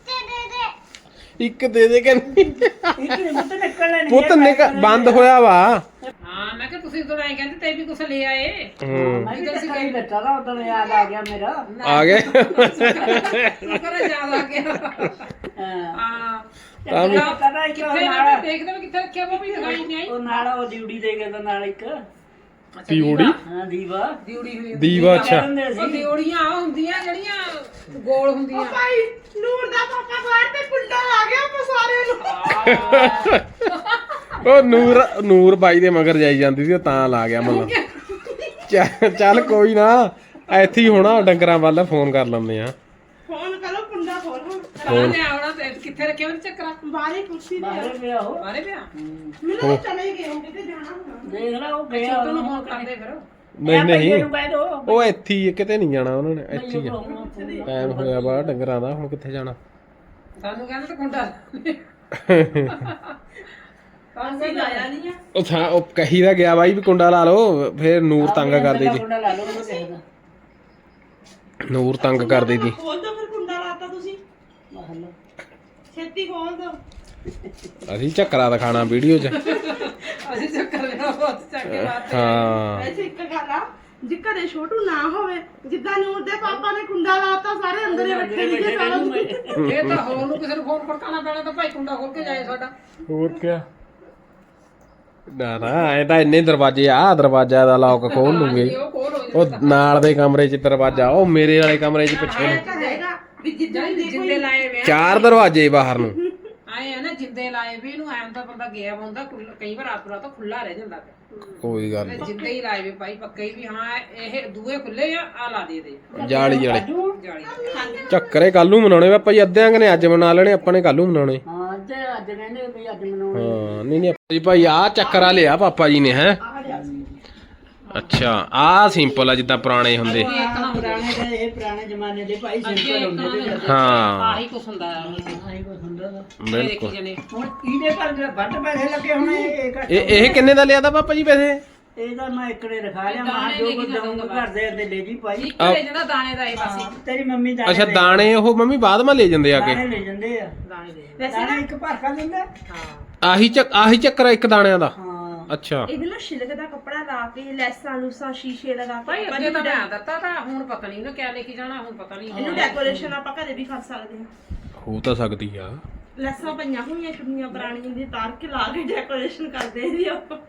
A: ਇੱਕ ਦੇ ਦੇ ਕਹਿੰਦੀ
E: ਇਹ ਮੁੱਤ ਨਿਕਲਣੇ ਨਹੀਂ
A: ਪੁੱਤ ਬੰਦ ਹੋਇਆ ਵਾ।
D: ਹਾਂ ਮੈਂ ਕਿਹਾ ਤੁਸੀਂ ਉਦੋਂ ਐਂ ਕਹਿੰਦੇ ਤੇ ਵੀ ਕੁਛ ਲੈ ਆਏ
A: ਹੂੰ
E: ਮੈਂ ਵੀ ਅਸੀਂ ਕਈ ਬੱਚਾ ਦਾ ਉਦੋਂ ਯਾਦ ਆ ਗਿਆ ਮੇਰਾ
A: ਆ ਗਏ
D: ਸ਼ੁਕਰ ਹੈ ਯਾਦ ਆ ਗਿਆ।
E: ਹਾਂ
D: ਹਾਂ
A: ਤਾਂ ਵੀ
E: ਪਤਾ ਹੀ
D: ਕਿੱਥੇ
E: ਕਿਉਂ
D: ਮੈਂ
E: ਨਾਲ
D: ਦੇਖਦਾ ਵੀ ਕਿੱਥੇ ਰੱਖਿਆ ਵਾ ਵੀ ਦਿਖਾਈ ਨਹੀਂ ਆਈ।
E: ਉਹ ਨਾਲ ਉਹ ਡਿਊਟੀ ਦੇ ਕੇ ਤਾਂ ਨਾਲ ਇੱਕ
A: ਪੀਉੜੀ
E: ਹਾਂ ਦੀਵਾ
D: ਦਿਉੜੀ ਹੋਈ
A: ਦੀਵਾ ਅੱਛਾ
E: ਕਹਿੰਦੇ
D: ਉਹ
E: ਸੀ
D: ਦਿਉੜੀਆਂ ਆ ਹੁੰਦੀਆਂ ਜਿਹੜੀਆਂ ਗੋਲ ਹੁੰਦੀਆਂ।
B: ਭਾਈ ਨੂਰ ਦਾ ਪਾਪਾ ਬਾਹਰ ਤੇ ਕੁੰਡਾ ਲਾ ਗਿਆ ਆਪਾਂ ਸਾਰਿਆਂ ਨੂੰ।
A: ਉਹ ਨੂਰ ਬਾਈ ਦੇ ਮਗਰ ਜਾਈ ਜਾਂਦੀ ਸੀ ਉਹ ਤਾਂ ਲਾ ਗਿਆ ਮਤਲਬ। ਚੱਲ ਕੋਈ ਨਾ ਇੱਥੇ ਹੀ ਹੋਣਾ ਡੰਗਰਾਂ ਵੱਲ ਫੋਨ ਕਰ ਲੈਂਦੇ ਆ।
B: ਫੋਨ ਕਰੋ ਕੁੰਡਾ ਖੋਲੋ
D: ਤਾਂ ਨੇ ਆਉਣਾ ਤੇ ਕਿੱਥੇ ਰੱਖਿਆ ਉਹਨੇ ਚੱਕਰਾ
B: ਬਾਹਰ ਹੀ ਕੁਰਸੀ ਤੇ
E: ਬਾਹਰ ਪਿਆ ਉਹ
D: ਬਾਰੇ ਪਿਆ
B: ਮੈਨੂੰ ਤਾਂ ਚਲੇ ਗਏ ਹੋਗੇ ਤੇ ਜਾਣਾ ਹੋਣਾ।
E: ਦੇਖ ਲੈ ਉਹ ਗਿਆ
D: ਛੋਟੂ ਨੂੰ ਫੋਨ ਕਰਦੇ ਫਿਰ
A: ਨਹੀਂ ਨਹੀਂ
E: ਨੂੰ ਕਹਿ ਦੋ
A: ਉਹ ਇੱਥੇ ਹੀ ਆ, ਕਿਤੇ ਨਹੀਂ ਜਾਣਾ ਉਹਨਾਂ ਨੇ ਇੱਥੇ ਹੀ ਆ। ਟਾਈਮ ਹੋਇਆ ਬਾ ਡੰਗਰਾਂ ਦਾ ਹੁਣ ਕਿੱਥੇ ਜਾਣਾ।
D: ਸਾਨੂੰ ਕਹਿੰਦੇ ਤਾਂ ਕੁੰਡਾ
B: ਅਸੀਂ ਲਾਇਆ ਨਹੀਂ ਆ
A: ਉਹ ਥਾਂ ਉਹ ਕਹੀ ਦਾ ਗਿਆ ਬਾਈ ਵੀ ਕੁੰਡਾ ਲਾ ਲਓ ਫੇਰ ਨੂਰ ਤੰਗ ਕਰਦੀ ਸੀ।
E: ਕੁੰਡਾ ਲਾ ਲਓ ਉਹ ਦੇਖਦਾ
A: ਨੂਰ ਤੰਗ ਕਰਦੀ ਸੀ।
B: ਖੋਲ ਦੋ ਫਿਰ ਕੁੰਡਾ ਲਾਤਾ ਤੁਸੀਂ
E: ਬਾਹਰ ਲਓ
B: ਛੇਤੀ ਖੋਲ ਦੋ
A: ਅਸੀਂ ਝੱਕਰਾ ਦਿਖਾਣਾ ਵੀਡੀਓ 'ਚ।
D: ਅਸੀਂ ਚੱਕਰ ਲੈਣਾ ਬਹੁਤ ਚੱਕੇ ਬਾਤ
A: ਹਾਂ
B: ਐਸੇ ਇੱਕ ਗੱਲ ਆ ਜੇ ਘਰੇ ਛੋਟੂ ਨਾ ਹੋਵੇ ਜਿੱਦਾਂ ਨੂਰ ਦੇ ਪਾਪਾ ਨੇ ਕੁੰਡਾ ਲਾਤਾ ਸਾਰੇ ਅੰਦਰ ਹੀ ਬੈਠੇ ਨੇ ਸਾਰਾ ਦਿਨ।
D: ਇਹ ਤਾਂ ਹੋਰ ਨੂੰ ਕਿਸੇ ਨੂੰ ਫੋਨ ਖੜਕਾਉਣਾ ਪੈਣਾ ਤਾਂ ਭਾਈ ਕੁੰਡਾ ਖੋਲ ਕੇ ਜਾਏ ਸਾਡਾ।
A: ਹੋਰ ਕਿਆ ਨਾ ਇਹ ਤਾਂ ਇੰਨੇ ਦਰਵਾਜ਼ੇ ਆ ਦਰਵਾਜ਼ਾ ਦਾ ਲੌਕ ਖੋਲ ਲੂਗੇ।
D: ਉਹ ਖੋਲ ਹੋ
A: ਉਹ ਨਾਲ ਦੇ ਕਮਰੇ 'ਚ ਦਰਵਾਜ਼ਾ ਉਹ ਮੇਰੇ ਵਾਲੇ ਕਮਰੇ 'ਚ ਪਿੱਛੇ
B: ਇਹ
A: ਨੂੰ
B: ਤਾਂ ਹੈਗਾ ਵੀ ਜਿੱਦਾਂ
D: ਜਾਏ
B: ਦੇਖੋ
D: ਜਿੰਦੇ ਲਾਏ ਵੇ
A: 4 ਦਰਵਾਜ਼ੇ ਬਾਹਰ ਨੂੰ।
D: ਆਏ ਆ ਨਾ ਜਿੰਦੇ ਲਾਏ ਵੀ ਇਹਨੂੰ ਐਂ ਤਾਂ ਬੰਦਾ ਗਿਆ ਹੁੰਦਾ ਕਈ ਵਾਰ ਆਪਣਾ ਤਾਂ ਖੁੱਲਾ ਰਹਿ ਜਾਂਦਾ ਪਿਆ।
A: ਕੋਈ ਗੱਲ ਨੀ।
D: ਜਿੰਦੇ ਹੀ ਲਾਏ ਵੇ ਭਾਈ ਪੱਕੇ ਹੀ ਵੀ ਹਾਂ ਇਹ ਦੂਏ ਖੁੱਲੇ ਆ ਲਾ ਦੇ ਦੇ
A: ਜਾਲੀ ਵਾਲੇ
D: ਜਾਲੀ
A: ਝੱਕਰੇ ਕੱਲ ਨੂੰ ਮਨਾਉਣੇ ਵਾ ਭਾਈ ਅੱਧਿਆਂ ਨੇ ਅੱਜ ਮਨਾ ਲੈਣੇ ਆਪਾਂ ਨੇ ਕੱਲ ਨੂੰ ਮਨਾਉਣੇ।
E: ਹਾਂ ਅੱਜ ਕਹਿੰਦੇ ਵੀ ਅੱਜ ਮਨਾਉਣਾ
A: ਹਾਂ ਨਹੀਂ ਨਹੀਂ ਜੀ ਭਾਈ ਆ ਚੱਕਰਾ ਲਿਆ ਪਾਪਾ ਜੀ ਨੇ ਹੈ। ਅੱਛਾ ਆ ਸਿੰਪਲ ਆ ਜਿੱਦਾਂ ਪੁਰਾਣੇ ਹੁੰਦੇ।
E: ਪੁਰਾਣੇ ਦੇ ਇਹ ਪੁਰਾਣੇ ਜ਼ਮਾਨੇ ਦੇ ਭਾਈ ਸਿੰਪਲ ਹੁੰਦੇ ਤੇ
A: ਹਾਂ
D: ਆਹੀ ਕੁਛ ਹੁੰਦਾ
E: ਆਹੀ ਕੁਛ ਹੁੰਦਾ ਵਾ।
A: ਬਿਲਕੁਲ।
D: ਜਨੇ
E: ਹੁਣ ਇਹਦੇ ਪਰ ਵੱਧ ਪੈਸੇ ਲੱਗੇ ਹੋਣੇ ਇਹ ਘੱਟ
A: ਇਹ ਕਿੰਨੇ ਦਾ ਲਿਆ ਤਾ ਪਾਪਾ ਜੀ ਪੈਸੇ?
E: ਇਹਦਾ ਮੈਂ ਇਕੜੇ ਰਖਾ ਲਿਆ ਮੈਂ ਜੋ ਕੁਝ ਦਊਂਗਾ ਘਰ ਦੇ ਅੱਦੇ ਲੈ ਜੀ ਭਾਈ
D: ਇੱਕ ਲੈ ਜਾਂਦਾ ਦਾਣੇ ਦਾ ਇਹ ਬਸ
E: ਤੇਰੀ ਮੰਮੀ ਦਾ
A: ਅੱਛਾ ਦਾਣੇ ਉਹ ਮੰਮੀ ਬਾਅਦ ਮਾ ਲੈ ਜਾਂਦੇ ਆ ਕੇ।
E: ਦਾਣੇ ਲੈ ਜਾਂਦੇ ਆ
D: ਦਾਣੇ ਦੇ
B: ਵੈਸੇ
E: ਦਾਣਾ ਇੱਕ ਭਰਕਾ ਦਿੰਦਾ
D: ਹਾਂ
A: ਆਹੀ ਚੱਕਰਾ ਇੱਕ ਦਾਣਿਆਂ ਦਾ।
E: ਹਾਂ
A: ਅੱਛਾ
B: ਇਹਦੇ ਨਾਲ ਛਿਲਕ ਦਾ ਕੱਪੜਾ ਲਾ ਕੇ ਲੈਸਾਂ ਲੂਸਾਂ ਸ਼ੀਸ਼ੇ ਲਗਾ
D: ਭਾਈ
B: ਕੇ
D: ਅੱਗੇ ਤਾਂ ਮੈਂ ਦਿੱਤਾ ਤਾਂ ਹੁਣ ਪਤਾ ਨਹੀਂ ਉਹਨੇ ਕਿਆ ਲੈ ਕੇ ਜਾਣਾ ਹੁਣ ਪਤਾ ਨਹੀਂ
B: ਇਹਨੂੰ ਡੈਕੋਰੇਸ਼ਨ ਆਪਾਂ ਘਰੇ ਵੀ ਕਰ ਸਕਦੇ ਹਾਂ।
A: ਹੋ ਤਾਂ ਸਕਦੀ ਆ।
B: ਲੈਸਾਂ ਪਈਆਂ ਹੋਈਆਂ ਚੁੰਨੀਆਂ ਪੁਰਾਣੀਆਂ ਦੀ ਤਾਰ ਕੇ ਲਾ ਕੇ ਡੈਕੋਰੇਸ਼ਨ ਕਰਦੇ ਇਹਦੀ ਆਪਾਂ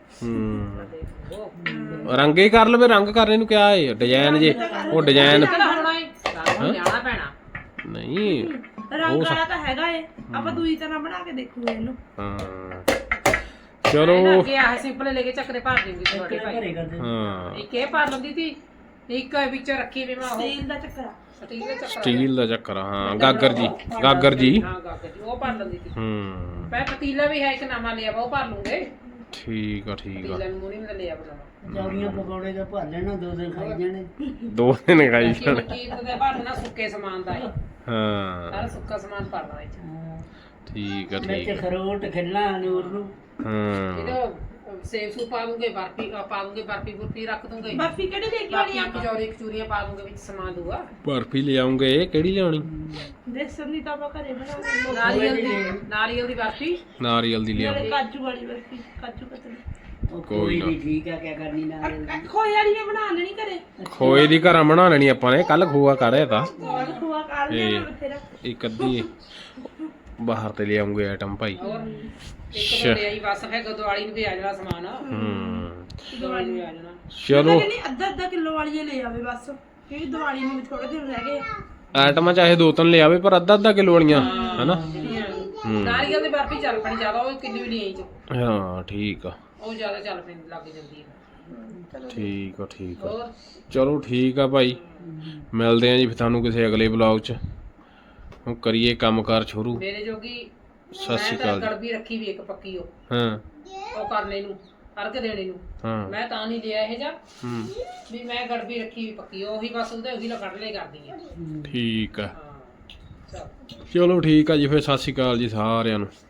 A: ਰੰਗੇ ਕਰ ਲਵੇ ਰੰਗ ਕਰਨੇ ਨੂੰ ਕਿਆ ਏ ਡਿਜ਼ਾਈਨ ਜੇ ਉਹ ਡਿਜ਼ਾਈਨ
D: ਹੋਣਾ ਏ ਸਾਨੂੰ ਜਾਣਾ ਪੈਣਾ
A: ਨਹੀਂ।
B: ਰੰਗ ਵਾਲਾ ਤਾਂ ਹੈਗਾ ਏ ਆਪਾਂ ਦੂਜੀ ਤਰ੍ਹਾਂ ਬਣਾ ਕੇ ਦੇਖੂਗੇ ਇਹਨੂੰ।
A: ਹਾਂ ਚਲੋ
D: ਅੱਗੇ ਆਹ ਸਿੰਪਲ ਲੈ ਕੇ ਚੱਕਰੇ ਭਰ ਦੇਂਗੀ ਤੁਹਾਡੇ ਭਾਈ
E: ਘਰੇ ਕਰਦੇ
A: ਹਾਂ
D: ਇੱਕ ਇਹ ਭਰ ਲੈਂਦੀ ਸੀ ਇੱਕ ਵਿੱਚ ਰੱਖੀ ਵੀ ਮੈਂ ਉਹ
B: ਸਟੀਲ ਦਾ ਚੱਕਰਾ
D: ਸਟੀਲ ਦਾ ਚੱਕਰ
A: ਸਟੀਲ ਦਾ ਚੱਕਰ ਹਾਂ ਗਾਗਰ ਜੀ ਗਾਗਰ ਜੀ।
D: ਹਾਂ ਗਾਗਰ ਜੀ ਉਹ ਭਰ ਲੈਂਦੀ ਸੀ
A: ਹੂੰ
D: ਮੈਂ ਪਤੀਲਾ ਵੀ ਹੈ ਇੱਕ ਨਵਾਂ ਲਿਆ ਵਾ ਉਹ ਭਰ ਲੂੰਗੇ
A: ਠੀਕ ਆ ਠੀਕ ਆ।
D: ਪਤੀਲਾ ਨੂੰ ਮੂੰਹ ਨਹੀਂ ਲਿਆ ਬਣਾ
E: ਚੌੜੀਆਂ ਪਕੌੜੇ ਦਾ ਭਰ ਲੈਣਾ 2 ਦਿਨ ਖਾਈ ਜਾਣੇ
A: 2 ਦਿਨ ਖਾਈ
D: ਕਿ
A: ਜਾਣ।
D: ਮਨਕੀਰਤ ਦੇ ਭਰਨਾ ਸੁੱਕੇ ਸਮਾਨ ਦਾ ਹੈ
A: ਹਾਂ
D: ਸਾਰਾ ਸੁੱਕਾ ਸਮਾਨ ਭਰਨਾ ਇਹ
A: ਠੀਕ ਆ ਠੀਕ
E: ਵਿੱਚ ਖਰੋਟ ਖਿੱਲਾ ਨੂਰ ਨੂੰ
A: ਹਾਂ
D: ਇਹਦਾ ਸੇਬ ਸੂ ਪਾ ਦੂੰਗੇ ਬਰਫੀ ਪਾ ਦੂੰਗੇ ਬਰਫੀ ਬੁਰਫੀ ਰੱਖ ਦੂੰਗੇ
B: ਬਰਫੀ ਕਿਹੜੀ ਲੈ ਕੇ ਆਣੀ
D: ਬਾਕੀ ਕਚੌਰੀ ਕਚੂਰੀਆਂ ਪਾ ਦੂੰਗੇ ਵਿੱਚ ਸਮਾਨ ਦੂਆ
A: ਬਰਫੀ ਲੈ ਆਉਂਗੇ ਕਿਹੜੀ ਲਿਆਉਣੀ?
B: ਦੇਸਨ ਦੀ ਤਾਂ ਆਪਾਂ ਘਰੇ ਬਣਾ ਲੈਂਦੇ
D: ਨਾਰੀਅਲ ਦੀ ਬਰਫੀ
A: ਨਾਰੀਅਲ ਦੀ ਲਿਆਓ।
B: ਨਾਲੇ ਕਾਜੂ ਵਾਲੀ ਬਰਫੀ ਕਾਜੂ ਕਤਲੀ
E: ਉਹ
A: ਕੋਈ
E: ਕੋਈ
A: ਨਾ।
E: ਵੀ ਠੀਕ ਆ ਕਿਆ ਕਰਨੀ ਨਾਲ
B: ਖੋਏ ਵਾਲੀ ਨੇ ਬਣਾ ਲੈਣੀ ਘਰੇ
A: ਖੋਏ ਦੀ ਘਰਾਂ ਬਣਾ ਲੈਣੀ ਆਪਾਂ ਨੇ ਕੱਲ ਖੋਆ ਕਾੜਿਆ ਤਾਂ
B: ਹੋਰ ਖੋਆ ਕਾੜ ਲਿਆ ਬਥੇਰਾ
A: ਇੱਕ ਅੱਧੀ ਬਾਹਰ ਤੇ ਲਿਆਉਂਗੇ ਆਈਟਮ ਭਾਈ
D: ਹੋਰ ਇੱਕ ਤਾਂ ਲਿਆਈ ਬਸ ਫਿਰ ਦਿਵਾਲੀ ਨੂੰ ਵੀ ਆ ਜਾਣਾ ਸਮਾਨ ਦਿਵਾਲੀ ਨੂੰ ਵੀ ਆ ਜਾਣਾ
A: ਚਲੋ
B: ਨਹੀਂ ਅੱਧਾ ਕਿਲੋ ਵਾਲੀ ਲੈ ਆਵੇ ਬਸ ਕਿਉਂਕਿ ਦੀਵਾਲੀ ਨੂੰ ਵੀ ਥੋੜੇ ਦਿਨ ਰਹਿ ਗਏ
A: ਆਈਟਮਾਂ ਚਾਹੇ 2-3 ਲਿਆਵੇ ਪਰ ਅੱਧਾ ਕਿਲੋ ਵਾਲੀਆਂ ਹਨਾ
D: ਨਾਰੀਅਲ ਦੀ ਬਰਫੀ ਚੱਲ ਪਣੀ ਜ਼ਿਆਦਾ ਉਹ ਕਿੰਨੀ ਵੀ ਨਹੀਂ ਚ
A: ਹਾਂ ਠੀਕ ਆ
D: ਉਹ ਜ਼ਿਆਦਾ ਚੱਲ ਪੈਂਦੀ ਲੱਗ ਜਾਂਦੀ ਹੈ
A: ਠੀਕ ਆ ਠੀਕ ਆ
D: ਹੋਰ
A: ਚਲੋ ਠੀਕ ਆ ਭਾਈ ਮਿਲਦੇ ਆ ਜੀ ਫਿਰ ਤੁਹਾਨੂੰ ਕਿਸੇ ਅਗਲੇ ਵਲੌਗ 'ਚ ਹੁਣ ਕਰੀਏ ਕੰਮਕਾਰ ਸ਼ੁਰੂ
D: ਮੇਰੇ ਜੋਗੀ
A: ਸਤਿ ਸ਼੍ਰੀ ਅਕਾਲ ਜੀ।
D: ਗੜਬੀ ਰੱਖੀ ਵੀ ਇੱਕ ਪੱਕੀ
A: ਹਾਂ
D: ਉਹ ਕਰਨੇ ਨੂੰ ਅਰਕ ਦੇਣੇ ਨੂੰ
A: ਹਾਂ
D: ਮੈਂ ਤਾਂ ਨਹੀਂ ਲਿਆ ਇਹ ਜਾ
A: ਹੂੰ
D: ਵੀ ਮੈਂ ਗੜਬੀ ਰੱਖੀ ਵੀ ਪੱਕੀ ਉਹੀ ਬਸ ਉਹਦੀ ਲਾ ਕੱਢ ਲੈ ਕਰਦੀ ਆ
A: ਠੀਕ ਆ
D: ਹਾਂ ਚਲ
A: ਚਲੋ ਠੀਕ ਆ ਜੀ ਫਿਰ ਸਤਿ ਸ਼੍ਰੀ ਅਕਾਲ ਜੀ ਸਾਰਿਆਂ ਨੂੰ